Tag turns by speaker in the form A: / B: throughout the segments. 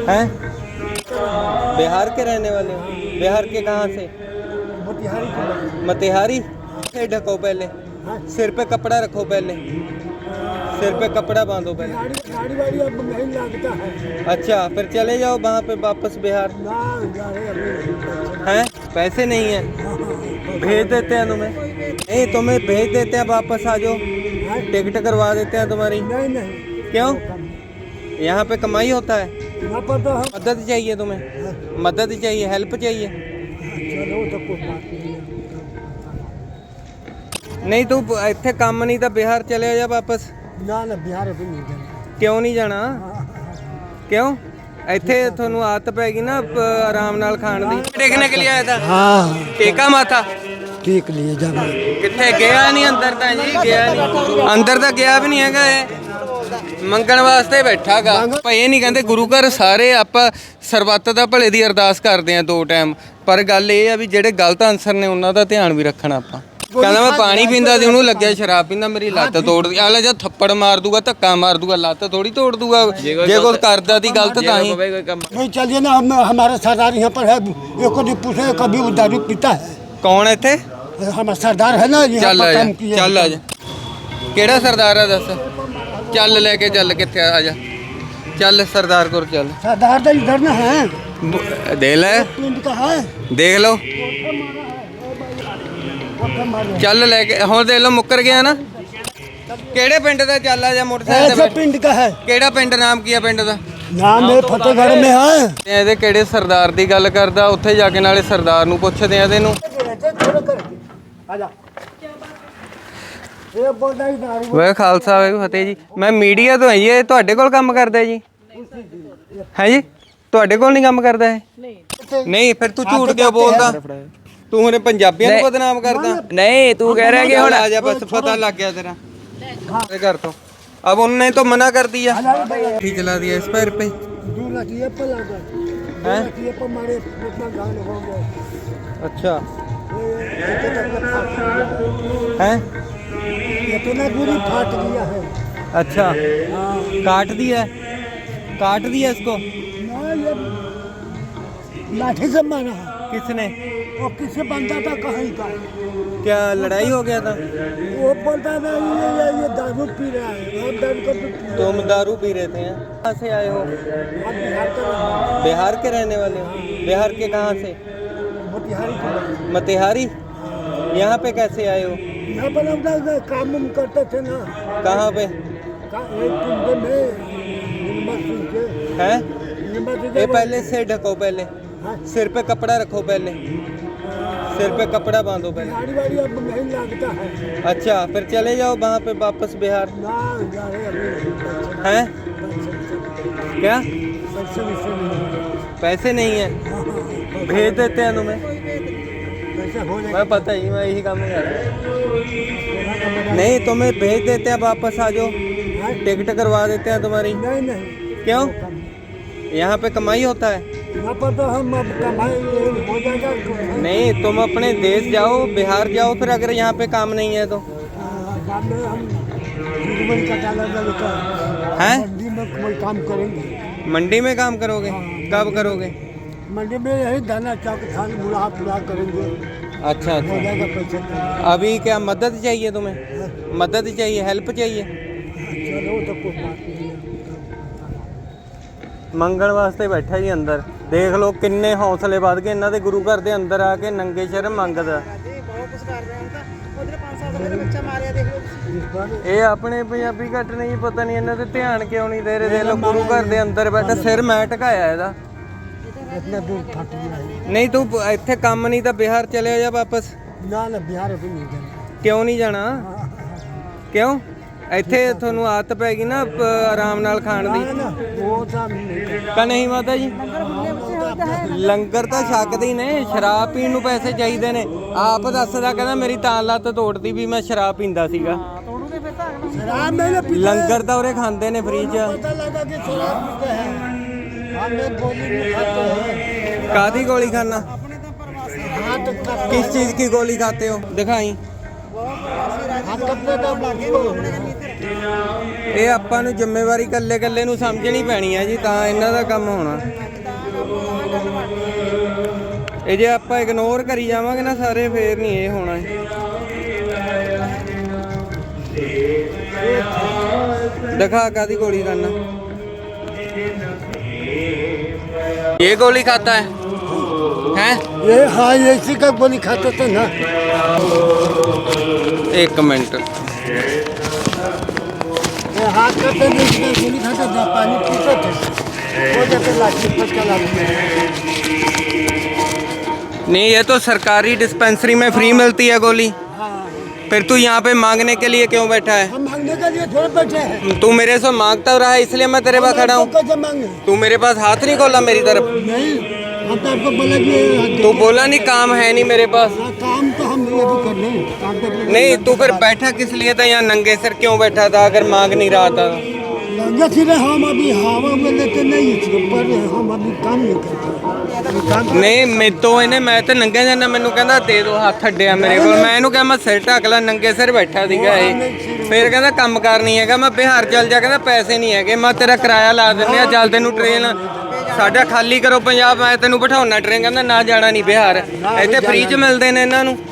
A: हैं? बिहार के रहने वाले हो? बिहार के कहाँ से? मोतिहारी से ढको पहले, सिर पे कपड़ा रखो पहले, सिर पे कपड़ा बांधो पहले।
B: गाड़ी वाड़ी अब नहीं लगता है।
A: अच्छा फिर चले जाओ वहाँ पे वापस बिहार। हैं? पैसे नहीं है, भेज देते हैं तुम्हें। नहीं तुम्हें भेज देते हैं, वापस आ जाओ, टिकट करवा देते हैं तुम्हारी।
B: नहीं नहीं,
A: क्यों? यहाँ पे कमाई होता है।
B: यहाँ पर तो हम
A: मदद चाहिए तुम्हें, मदद चाहिए, हेल्प चाहिए।
B: चलो तो कोई बात नहीं है।
A: नहीं तू ਇੱਥੇ ਕੰਮ नहीं था, बिहार चले जा वापस।
B: ना ना बिहार अभी नहीं जाना।
A: क्यों नहीं जाना? क्यों? ਇੱਥੇ ਤੁਹਾਨੂੰ ਆਦਤ ਪੈ ਗਈ ਨਾ ਆਰਾਮ ਨਾਲ ਖਾਣ ਦੀ। ਦੇਖਣੇ के लिए आया था।
B: हाँ
A: टेका माथा
B: ठीक लिए जाना।
A: ਕਿੱਥੇ ਗਿਆ ਨਹੀਂ ਅੰਦਰ ਤਾਂ ਜੀ, ਗਿਆ ਨਹੀਂ ਅੰਦਰ ਤਾਂ ਗਿਆ ਵੀ ਨਹੀਂ ਹੈਗਾ। ਇਹ ਮੰਗਣ ਵਾਸਤੇ ਬੈਠਾਗਾ। ਭਾਈ ਇਹ ਨਹੀਂ ਕਹਿੰਦੇ ਗੁਰੂ ਘਰ ਸਾਰੇ ਆਪਾਂ ਸਰਬੱਤ ਦਾ ਭਲੇ ਦੀ ਅਰਦਾਸ ਕਰਦੇ ਆ 2 ਟਾਈਮ, ਪਰ ਗੱਲ ਇਹ ਆ ਵੀ ਜਿਹੜੇ ਗਲਤ ਆਨਸਰ ਨੇ ਉਹਨਾਂ ਦਾ ਧਿਆਨ ਵੀ ਰੱਖਣਾ ਆਪਾਂ। ਕਹਿੰਦਾ ਮੈਂ ਪਾਣੀ ਪੀਂਦਾ ਸੀ, ਉਹਨੂੰ ਲੱਗਿਆ ਸ਼ਰਾਬ ਪੀਂਦਾ, ਮੇਰੀ ਲੱਤ ਤੋੜ ਦੀ। ਅਗਲਾ ਜਦ ਥੱਪੜ ਮਾਰ ਦੂਗਾ, ਧੱਕਾ ਮਾਰ ਦੂਗਾ, ਲੱਤ ਥੋੜੀ ਤੋੜ ਦੂਗਾ। ਜੇ ਕੋਈ ਕਰਦਾ ਤੀ ਗਲਤ ਤਾਂ ਹੀ
B: नहीं चलिए ना, हम हमारा सरदार यहाँ पर है, एक को नहीं पूछे कभी वो दारू पीता है।
A: ਕੌਣ ਇੱਥੇ?
B: हमारा सरदार है ना यहाँ
A: ਚੱਲ ਆ
B: पर
A: ਜਾ,
B: काम किया।
A: ਚੱਲ ਆ ਜਾ। ਕਿਹੜਾ ਸਰਦਾਰ ਆ ਦੱਸ? ਚੱਲ ਲੈ ਕੇ ਚੱਲ, ਕਿੱਥੇ ਆ ਜਾ, ਚੱਲ ਸਰਦਾਰ ਕੋਲ ਚੱਲ।
B: सरदार तो इधर ना है,
A: ਦੇ ਲੈ,
B: पिंड का है।
A: ਦੇਖ ਲਓ, ਚੱਲ ਲੈ ਕੇ। ਹੁਣ ਦੇਖ ਲਓ ਮੁੱਕਰ ਗਿਆ ਨਾ। ਕਿਹੜੇ ਪਿੰਡ ਦਾ? ਚੱਲ ਆ ਜਾ ਮੋਟਰਸਾਈਕਲ ਤੇ
B: ऐसे
A: ਬੈਠ।
B: पिंड का है,
A: ਕਿਹੜਾ ਪਿੰਡ? ਨਾਮ ਕੀ ਆ ਪਿੰਡ ਦਾ?
B: नाम है फतेहगढ़ में है।
A: ਇਹਦੇ ਕਿਹੜੇ ਸਰਦਾਰ ਦੀ ਗੱਲ ਕਰਦਾ? ਉੱਥੇ ਜਾ ਕੇ ਨਾਲੇ ਸਰਦਾਰ ਨੂੰ ਪੁੱਛਦੇ ਆ ਇਹਨੂੰ। ਵੇ ਖਾਲਸਾ ਵੇ ਫਤਿਹ ਜੀ। ਮੈਂ ਮੀਡੀਆ ਤੋਂ ਹਾਂ ਜੀ। ਇਹ ਤੁਹਾਡੇ ਕੋਲ ਕੰਮ ਕਰਦਾ ਜੀ? ਹੈ ਜੀ, ਤੁਹਾਡੇ ਕੋਲ ਨਹੀਂ ਕੰਮ ਕਰਦਾ ਇਹ? ਨਹੀਂ ਫਿਰ ਤੂੰ ਝੂਠ ਕਿਉਂ ਬੋਲਦਾ? ਤੂੰ ਹੁਣੇ ਪੰਜਾਬੀਆਂ ਨੂੰ ਬਦਨਾਮ ਕਰਦਾ।
C: नहीं तू कह रहा है कि
A: ਹੁਣ ਆ ਜਾ, ਬਸ ਪਤਾ ਲੱਗ ਗਿਆ ਤੇਰਾ। तेरे घर तो अब उन्होंने तो मना कर दिया, ठीक चला दिया इस पैर पे।
B: 2 लाख ये पर लगा, 2 लाख ये पर मारे इतना घायल हो गए।
A: अच्छा
B: ये
A: है,
B: इतना बुरी फाट गया है।
A: अच्छा काट दिया, काट दिया इसको।
B: ना ये लाठी से मारा है।
A: किसने?
B: वो किसी बंदा था कहीं का,
A: क्या लड़ाई हो गया था?
B: वो बोलता था ये दारू पी रहा है। हम दारू को पी रहे
A: तुम दारू पी रहे थे? कहाँ से आए हो?
B: हैं। हम बिहार के रहने वाले
A: बिहार के रहने वाले हो? बिहार के कहाँ से?
B: हैं। मोतिहारी के
A: मोतिहारी। यहाँ पे कैसे आए हो?
B: यहाँ पर हम लोग काम उम करते थे ना,
A: कहाँ पे
B: एक पिंड में यूनिवर्सिटी के।
A: हैं?
B: यूनिवर्सिटी
A: ये
B: के-
A: पहले से ढको पहले,
B: हाँ,
A: सिर पे कपड़ा रखो पहले, सिर पे कपड़ा बांधो पहले।
B: गाड़ी वाड़ी अब नहीं लगता है।
A: अच्छा फिर चले जाओ वहाँ पे वापस बिहार।
B: ना जा रहे अभी।
A: हैं? क्या?
B: पैसे वैसे नहीं।
A: पैसे नहीं है,
B: हाँ,
A: भेज देते हैं तुम्हें।
B: पैसे हो जाएगा।
A: मैं पता ही, मैं यही काम कर रहा हूँ। नहीं तुम्हें भेज देते हैं, वापस आ जाओ, टिकट करवा देते हैं तुम्हारी।
B: नहीं नहीं,
A: क्यों? यहाँ पे कमाई होता है।
B: यहाँ पर तो हम अब कमाई हो जाएगा।
A: नहीं तुम अपने देश जाओ, बिहार जाओ, फिर अगर यहाँ पे काम नहीं है तो।
B: काम में हम जुगमन का डाला लगता है।
A: हैं?
B: मंडी में कोई काम करेंगे।
A: मंडी में काम करोगे? कब करोगे?
B: मंडी में यही दाना चौक धान बुला पुला करेंगे।
A: अच्छा
B: हो
A: अच्छा।
B: जाएगा पैसे।
A: अभी क्या मदद चाहिए तुम्हें? मदद चाहिए, हेल्प चाहिए?
B: चलो तो कोई बात नहीं है।
A: ਮੰਗਣ ਵਾਸਤੇ ਬੈਠਾ ਜੀ ਅੰਦਰ। ਦੇਖ ਲਓ ਕਿੰਨੇ ਹੌਸਲੇ ਵੱਧ ਗਏ ਇਹਨਾਂ ਦੇ, ਗੁਰੂ ਘਰ ਦੇ ਅੰਦਰ ਆ ਕੇ ਨੰਗੇ ਸਿਰ ਮੰਗਦਾ। ਇਹ ਆਪਣੇ ਪੰਜਾਬੀ ਘੱਟ ਨਹੀਂ, ਪਤਾ ਨਹੀਂ ਇਹਨਾਂ ਤੇ ਧਿਆਨ ਕਿਉਂ ਨਹੀਂ ਦੇ ਰਹੇ। ਦੇਖ ਲਓ ਗੁਰੂ ਘਰ ਦੇ ਅੰਦਰ ਬੈਠਾ, ਸਿਰ ਮੈਂ ਢਕਾਇਆ ਇਹਦਾ।
B: इतना दूर फट गया है।
A: ਨਹੀਂ ਤੂੰ ਇੱਥੇ ਕੰਮ ਨਹੀਂ ਤਾਂ ਬਿਹਾਰ ਚਲੇ ਜਾ ਵਾਪਸ।
B: ना ना बिहार अभी नहीं जाना।
A: ਕਿਉਂ ਨਹੀਂ ਜਾਣਾ? ਕਿਉਂ? ਇੱਥੇ ਤੁਹਾਨੂੰ ਆਦਤ ਪੈ ਗਈ ਨਾ ਆਰਾਮ ਨਾਲ ਖਾਣ ਦੀ।
B: ना ना वो काम नहीं करना।
A: ਕਾ ਨਹੀਂ ਮਾਤਾ ਜੀ? ਲੰਗਰ ਤਾਂ ਛਕਦੇ ਹੀ ਨੇ, ਸ਼ਰਾਬ ਪੀਣ ਨੂੰ ਪੈਸੇ ਚਾਹੀਦੇ ਨੇ। ਆਪ ਦੱਸਦਾ, ਕਹਿੰਦਾ ਮੇਰੀ ਤਾਂ ਲੱਤ ਤੋੜਦੀ ਵੀ ਮੈਂ ਸ਼ਰਾਬ ਪੀਂਦਾ ਸੀਗਾ।
B: शराब मैंने पीता है।
A: ਲੰਗਰ ਤਾਂ ਉਰੇ ਖਾਂਦੇ ਨੇ ਫ੍ਰੀ ਚ।
B: पता लगा कि शराब पीते हैं। हमें गोली में खाते हैं।
A: ਕਾਦੀ ਗੋਲੀ ਖਾਨਾ?
B: हाथ का
A: किस चीज की गोली खाते हो? दिखाई।
B: हाथ कपड़े का
A: ਇਹ ਆਪਾਂ ਨੂੰ ਜ਼ਿੰਮੇਵਾਰੀ ਇਕੱਲੇ ਨੂੰ ਸਮਝਣੀ ਪੈਣੀ ਹੈ ਜੀ, ਤਾਂ ਇਹਨਾਂ ਦਾ ਕੰਮ ਹੋਣਾ। ਇਹ ਜੇ ਆਪਾਂ ਇਗਨੋਰ ਕਰੀ ਜਾਵਾਂਗੇ ਨਾ ਸਾਰੇ, ਫੇਰ ਨਹੀਂ ਇਹ ਹੋਣਾ। दिखा कादी गोली करना, ये गोली खाता है हैं?
B: ये हाँ ये इसी का गोली खाता था ना।
A: एक मिनट,
B: ये हाथ करते नहीं, गोली खाता था, पानी पीता था, वो जैसे लाठी पटका लाठी।
A: नहीं ये तो सरकारी डिस्पेंसरी में फ्री मिलती है गोली। फिर तू यहाँ पे मांगने के लिए क्यों बैठा है?
B: हम मांगने के लिए थोड़ा बैठे हैं।
A: तू मेरे से मांगता रहा है इसलिए मैं तेरे पास खड़ा हूँ। तू मेरे पास हाथ नहीं खोला मेरी तरफ।
B: नहीं, हम तो आपको बोला कि
A: तू बोला नहीं काम है नहीं मेरे पास।
B: काम तो हम ये भी कर रहे हैं, काम तो
A: नहीं तू फिर बैठा किस लिए था यहाँ नंगे सर क्यों बैठा था अगर मांग नहीं रहा था?
B: लगे फिर हम अभी हवा में लेते नहीं, पर हम अभी काम नहीं करते।
A: नहीं मैं तो इन्हें मैं तो नंगे जाना, मैनू कहंदा दे दो हाथ अड्डिया मेरे को। मैं इहनू कहा मैं सिर ढक ला, नंगे सिर बैठा सीगा ये। फिर कहंदा काम कार नहीं है, मैं बिहार चल जा, कहंदा पैसे नहीं है, मैं तेरा किराया ला दिंदे आ, चल तैनू ट्रेन साडा खाली करो पंजाब, मैं तैनू बिठाउणा ट्रेन। कहंदा ना जाना नहीं बिहार, इत्थे फ्री च मिलदे ने इन्हां नू,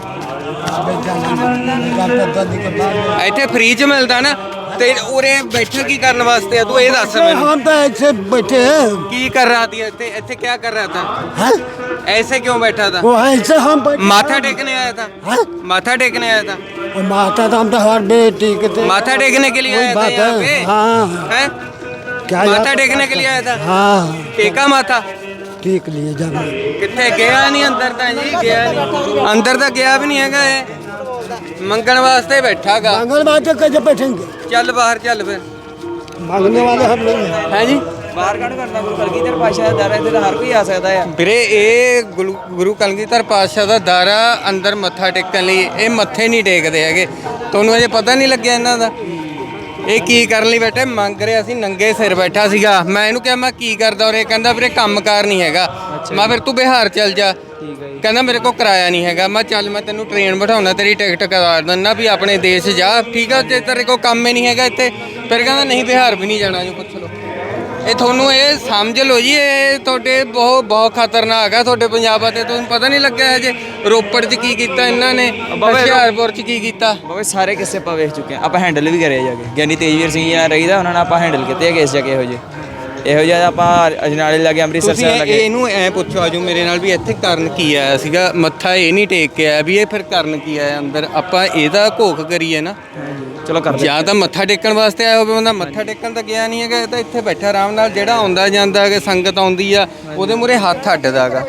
A: इत्थे फ्री च मिलदा ना। ते उरे बैठा की करने वास्ते है तू ये दस मैनू?
B: हम तो ऐसे बैठे हैं।
A: की कर रहा थी इत्थे? इत्थे क्या कर रहा था?
B: हैं?
A: ऐसे क्यों बैठा था?
B: वो ऐसे हम बैठे,
A: माथा टेकने आया था?
B: हैं?
A: माथा टेकने आया था?
B: माथा तो हम तो हर बेटी के थे।
A: माथा टेकने के लिए
B: वही
A: आया था
B: बात
A: यहाँ
B: है।
A: पे?
B: हाँ
A: हैं?
B: क्या
A: माथा टेकने के लिए आया था?
B: हाँ
A: टेका माथा?
B: ठीक लिए जब
A: कितने गया नहीं अंदर तक जी, गया नहीं अंदर तक, गया भी नहीं है ये मंगण वास्ते बैठा गा।
B: मांगने वाले कैसे बैठेंगे?
A: चल बाहर चल फिर।
B: मांगने वाले हम लोग हैं।
A: है जी
C: ਬਾਹਰ ਕੱਢ ਕਰਦਾ ਗੁਰੂ ਕਲਗੀਧਰ ਪਾਤਸ਼ਾਹ ਦਾ ਦਰ ਇੱਥੇ ਤਾਂ ਹਰ ਕੋਈ ਆ ਸਕਦਾ ਆ।
A: ਵੀਰੇ ਇਹ ਗੁਰੂ ਕਲਗੀਧਰ ਪਾਤਸ਼ਾਹ ਦਾ ਦਾਰਾ ਅੰਦਰ ਮੱਥਾ ਟੇਕਣ ਲਈ, ਇਹ ਮੱਥੇ ਨਹੀਂ ਟੇਕਦੇ ਹੈਗੇ। ਤੁਹਾਨੂੰ ਅਜੇ ਪਤਾ ਨਹੀਂ ਲੱਗਿਆ ਇਹਨਾਂ ਦਾ? ਇਹ ਕੀ ਕਰਨ ਲਈ ਬੈਠੇ? ਮੰਗ ਰਿਹਾ ਸੀ, ਨੰਗੇ ਸਿਰ ਬੈਠਾ ਸੀਗਾ। ਮੈਂ ਇਹਨੂੰ ਕਿਹਾ ਮੈਂ ਕੀ ਕਰਦਾ, ਔਰ ਇਹ ਕਹਿੰਦਾ ਵੀਰੇ ਕੰਮਕਾਰ ਨਹੀਂ ਹੈਗਾ। ਮੈਂ ਫਿਰ ਤੂੰ ਬਿਹਾਰ ਚੱਲ ਜਾ, ਕਹਿੰਦਾ ਮੇਰੇ ਕੋਲ ਕਿਰਾਇਆ ਨਹੀਂ ਹੈਗਾ। ਮੈਂ ਚੱਲ ਮੈਂ ਤੈਨੂੰ ਟ੍ਰੇਨ ਬਿਠਾਉਣਾ, ਤੇਰੀ ਟਿਕਟ ਕਰਾ ਦਿੰਦਾ ਵੀ ਆਪਣੇ ਦੇਸ਼ ਜਾ, ਠੀਕ ਆ? ਜੇ ਤੇਰੇ ਕੋਲ ਕੰਮ ਹੀ ਨਹੀਂ ਹੈਗਾ ਇੱਥੇ, ਫਿਰ ਕਹਿੰਦਾ ਨਹੀਂ ਬਿਹਾਰ ਵੀ ਨਹੀਂ ਜਾਣਾ। ਜੋ ਪੁੱਛ ਲਓ, ਇਹ ਤੁਹਾਨੂੰ ਇਹ ਸਮਝ ਲਓ ਜੀ, ਇਹ ਤੁਹਾਡੇ ਬਹੁਤ ਖਤਰਨਾਕ ਆ ਤੁਹਾਡੇ ਪੰਜਾਬ ਤੇ। ਤੁਹਾਨੂੰ ਪਤਾ ਨਹੀਂ ਲੱਗਿਆ ਜੇ ਰੋਪੜ 'ਚ ਕੀ ਕੀਤਾ ਇਹਨਾਂ ਨੇ, ਹੁਸ਼ਿਆਰਪੁਰ 'ਚ ਕੀ ਕੀਤਾ।
C: ਬਾਬੇ ਸਾਰੇ ਕਿੱਸੇ ਆਪਾਂ ਵੇਖ ਚੁੱਕੇ ਆ, ਆਪਾਂ ਹੈਂਡਲ ਵੀ ਕਰਿਆ ਜਾ ਕੇ। ਗਿਆਨੀ ਤੇਜਵੀਰ ਸਿੰਘ ਜੀ ਨਾਲ ਰਹੀਦਾ, ਉਹਨਾਂ ਨਾਲ ਆਪਾਂ ਹੈਂਡਲ ਕੀਤੇ ਆ ਕੇਸ ਜਾ ਕੇ। ਇਹੋ ਜਿਹਾ ਆਪਾਂ ਅਜਨਾਲੇ ਲਾਗੇ ਅੰਮ੍ਰਿਤਸਰ
A: ਤੁਸੀਂ
C: ਸਾਹਿਬ ਲਾਗੇ।
A: ਇਹਨੂੰ ਐ ਪੁੱਛੋ ਆਜੋ ਮੇਰੇ ਨਾਲ ਵੀ ਇੱਥੇ ਕਰਨ ਕੀ ਆਇਆ ਸੀਗਾ? ਮੱਥਾ ਇਹ ਨਹੀਂ ਟੇਕ ਕੇ ਆਇਆ ਵੀ ਇਹ ਫਿਰ ਕਰਨ ਕੀ ਆਇਆ ਅੰਦਰ? ਆਪਾਂ ਇਹਦਾ ਘੋਖ ਕਰੀਏ ਨਾ।
C: ਚਲੋ ਕਰਦੇ
A: ਜਾਂ ਤਾਂ ਮੱਥਾ ਟੇਕਣ ਵਾਸਤੇ ਆਇਆ ਹੋਵੇ ਬੰਦਾ, ਮੱਥਾ ਟੇਕਣ ਤਾਂ ਗਿਆ ਨਹੀਂ ਹੈਗਾ। ਇਹ ਤਾਂ ਇੱਥੇ ਬੈਠਾ ਆਰਾਮ ਨਾਲ, ਜਿਹੜਾ ਆਉਂਦਾ ਜਾਂਦਾ ਹੈਗਾ, ਸੰਗਤ ਆਉਂਦੀ ਆ ਉਹਦੇ ਮੂਹਰੇ ਹੱਥ ਅੱਡਦਾ ਹੈਗਾ।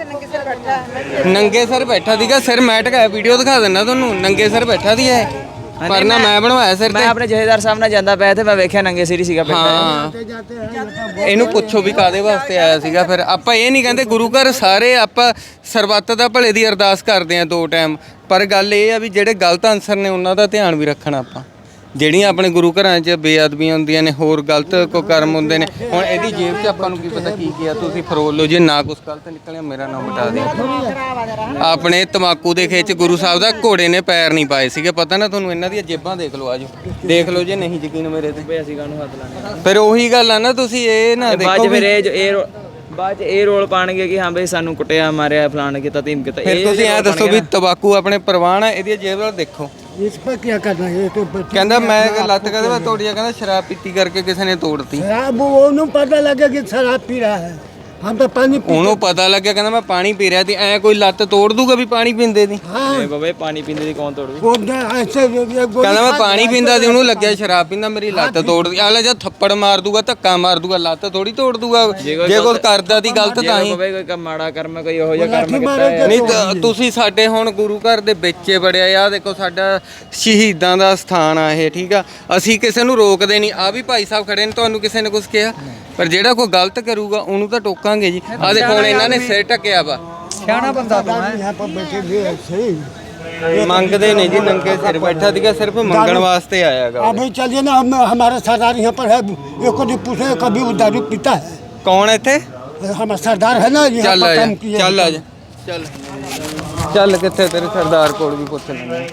A: ਨੰਗੇ ਸਿਰ ਬੈਠਾ ਸੀਗਾ, ਸਿਰ ਮੈਂ ਢਕਾਇਆ, ਵੀਡੀਓ ਦਿਖਾ ਦਿੰਦਾ ਤੁਹਾਨੂੰ। ਨੰਗੇ ਸਿਰ ਬੈਠਾ ਸੀ ਇਹ, ਪਰ ਨਾ ਮੈਂ ਬਣਵਾਇਆ ਸਿਰ
C: ਮੈਂ
A: ਤੇ।
C: ਆਪਣੇ ਜਥੇਦਾਰ ਸਾਹਿਬ ਨਾਲ ਜਾਂਦਾ ਪਿਆ ਤੇ ਮੈਂ ਵੇਖਿਆ ਨੰਗੇ ਸਿਰ ਹੀ ਸੀਗਾ ਬੈਠਾ।
A: ਹਾਂ ਇਹਨੂੰ ਪੁੱਛੋ ਵੀ ਕਾਦੇ ਵਾਸਤੇ ਆਇਆ ਸੀਗਾ। ਫਿਰ ਆਪਾਂ ਇਹ ਨਹੀਂ ਕਹਿੰਦੇ ਗੁਰੂ ਘਰ ਸਾਰੇ ਆਪਾਂ ਸਰਬੱਤ ਦਾ ਭਲੇ ਦੀ ਅਰਦਾਸ ਕਰਦੇ ਆ 2 ਟਾਈਮ, ਪਰ ਗੱਲ ਇਹ ਆ ਵੀ ਜਿਹੜੇ ਗਲਤ ਅਨਸਰ ਨੇ ਉਹਨਾਂ ਦਾ ਧਿਆਨ ਵੀ ਰੱਖਣਾ ਆਪਾਂ। ਜਿਹੜੀਆਂ ਆਪਣੇ ਗੁਰੂ ਘਰਾਂ 'ਚ ਬੇਅਦਬੀਆਂ ਹੁੰਦੀਆਂ ਨੇ, ਹੋਰ ਗਲਤ ਕੋ ਕਰਮ ਹੁੰਦੇ ਨੇ। ਹੁਣ ਇਹਦੀ ਜੇਬ 'ਚ ਆਪਾਂ ਨੂੰ ਕੀ ਪਤਾ ਕੀ ਕੀਤਾ, ਤੁਸੀਂ ਫਰੋਲ ਲਓ। ਜੇ ਨਾ ਕੁਛ ਗਲਤ ਨਿਕਲਿਆ ਮੇਰਾ ਨਾਮ ਮਿਟਾ ਦਿਓ। ਆਪਣੇ ਤਮਾਕੂ ਦੇ ਖੇਚ ਗੁਰੂ ਸਾਹਿਬ ਦਾ ਘੋੜੇ ਨੇ ਪੈਰ ਨਹੀਂ ਪਾਏ ਸੀਗੇ, ਪਤਾ ਨਾ ਤੁਹਾਨੂੰ? ਇਹਨਾਂ ਦੀਆਂ ਜੇਬਾਂ ਦੇਖ ਲਓ, ਆਜੋ ਦੇਖ ਲਓ ਜੇ ਨਹੀਂ ਯਕੀਨ ਮੇਰੇ ਤੇ।
C: ਅਸੀਂ ਕਾਹਨੂੰ ਹੱਥ ਲਾਣੇ?
A: ਫਿਰ ਉਹੀ ਗੱਲ ਆ ਨਾ, ਤੁਸੀਂ ਇਹ ਨਾ
C: ਬਾਅਦ
A: ਦੇਖੋ
C: ਚ ਫਿਰ
A: ਵੀ
C: ਬਾਅਦ ਚ ਇਹ ਰੋਲ ਪਾਣਗੇ ਕਿ ਹਾਂ ਬਈ ਸਾਨੂੰ ਕੁੱਟਿਆ ਮਾਰਿਆ ਫਲਾਣ ਕੀਤਾ ਧੀਮ ਕੀਤਾ।
A: ਫਿਰ ਤੁਸੀਂ ਐ ਦੱਸੋ ਵੀ ਤੰਬਾਕੂ ਆਪਣੇ ਪ੍ਰਵਾਨ ਆ, ਇਹਦੀ ਜੇਬ ਵੱਲ ਦੇਖੋ।
B: इस पर क्या करना है? ये तो बच्चे
A: ਕਹਿੰਦਾ ਮੈਂ ਲੱਤ ਕਦੇ ਮੈਂ ਤੋੜੀ ਆ, ਕਹਿੰਦਾ ਸ਼ਰਾਬ ਪੀਤੀ ਕਰਕੇ ਕਿਸੇ ਨੇ ਤੋੜਤੀ।
B: शराब वो उन्हें पता लगे कि शराब पी रहा है, हम तो पानी पी।
A: ਉਹਨੂੰ ਪਤਾ ਲੱਗਿਆ, ਕਹਿੰਦਾ ਮੈਂ ਪਾਣੀ ਪੀ ਰਿਹਾ ਸੀ। ਐ ਕੋਈ ਲੱਤ ਤੋੜ ਦੂਗਾ ਵੀ ਪਾਣੀ ਪੀਂਦੇ ਦੀ?
B: हाँ
C: ਇਹ ਬਾਬਾ ਪਾਣੀ ਪੀਂਦੇ ਦੀ ਕੌਣ ਤੋੜੂ?
B: वो ऐसे
A: ਕਹਿੰਦਾ ਮੈਂ ਪਾਣੀ ਪੀਂਦਾ ਸੀ, ਉਹਨੂੰ ਲੱਗਿਆ ਸ਼ਰਾਬ ਪੀਂਦਾ, ਮੇਰੀ ਲੱਤ ਤੋੜਦੀ। ਆਲੇ ਜਦ ਥੱਪੜ ਮਾਰ ਦੂਗਾ, ਧੱਕਾ ਮਾਰ ਦੂਗਾ, ਲੱਤ ਥੋੜੀ ਤੋੜ ਦੂਗਾ। ਜੇ ਕੁਝ ਕਰਦਾ ਦੀ ਗਲਤ ਤਾਂ ਹੀ।
C: ਬਾਬਾ ਕੋਈ ਕੰਮ ਮਾੜਾ ਕਰਮ ਕੋਈ ਇਹੋ ਜਿਹਾ ਕਰਮ ਕੀਤਾ ਹੈ।
A: ਨਹੀਂ ਤੁਸੀਂ ਸਾਡੇ ਹੁਣ ਗੁਰੂ ਘਰ ਦੇ ਵਿੱਚ ਵੜਿਆ ਆ, ਦੇਖੋ ਸਾਡਾ ਸ਼ਹੀਦਾਂ ਦਾ ਸਥਾਨ ਆ ਇਹ, ਠੀਕ ਆ? ਅਸੀਂ ਕਿਸੇ ਨੂੰ ਰੋਕਦੇ ਨਹੀਂ। ਆ ਵੀ ਭਾਈ ਸਾਹਿਬ ਖੜੇ ਨੇ, ਤੁਹਾਨੂੰ ਕਿਸੇ ਨੇ ਕੁਝ ਕਿਹਾ? ਪਰ ਜਿਹੜਾ ਕੋਈ ਗਲਤ ਕਰੂਗਾ ਉਹਨੂੰ ਤਾਂ ਟੋਕਾਂਗੇ ਜੀ। ਆ ਦੇਖੋ ਹੁਣ ਇਹਨਾਂ ਨੇ ਸਿਰ ਢੱਕਿਆ ਵਾ।
C: ਸਿਆਣਾ ਬੰਦਾ ਤੂੰ ਹੈ।
B: यहाँ पर बैठे भी ऐसे ही
A: ਮੰਗਦੇ ਨੇ ਜੀ, ਨੰਗੇ ਸਿਰ ਬੈਠਾ ਸੀਗਾ, ਸਿਰਫ ਮੰਗਣ ਵਾਸਤੇ ਆਇਆਗਾ।
B: अभी चलिए ना, हम हमारा सरदार यहाँ पर है, ये को नहीं पूछे कभी वो दारू पीता है।
A: ਕੌਣ ਇੱਥੇ?
B: हमारा सरदार है ना यहाँ
A: ਚੱਲ
B: पर
A: ਆ ਜਾ,
B: काम किया।
A: ਚੱਲ ਆ ਜਾ, ਚੱਲ ਚੱਲ। ਕਿੱਥੇ ਤੇਰੇ ਸਰਦਾਰ ਕੋਲ ਵੀ ਪੁੱਛ ਲੈਂਦੇ।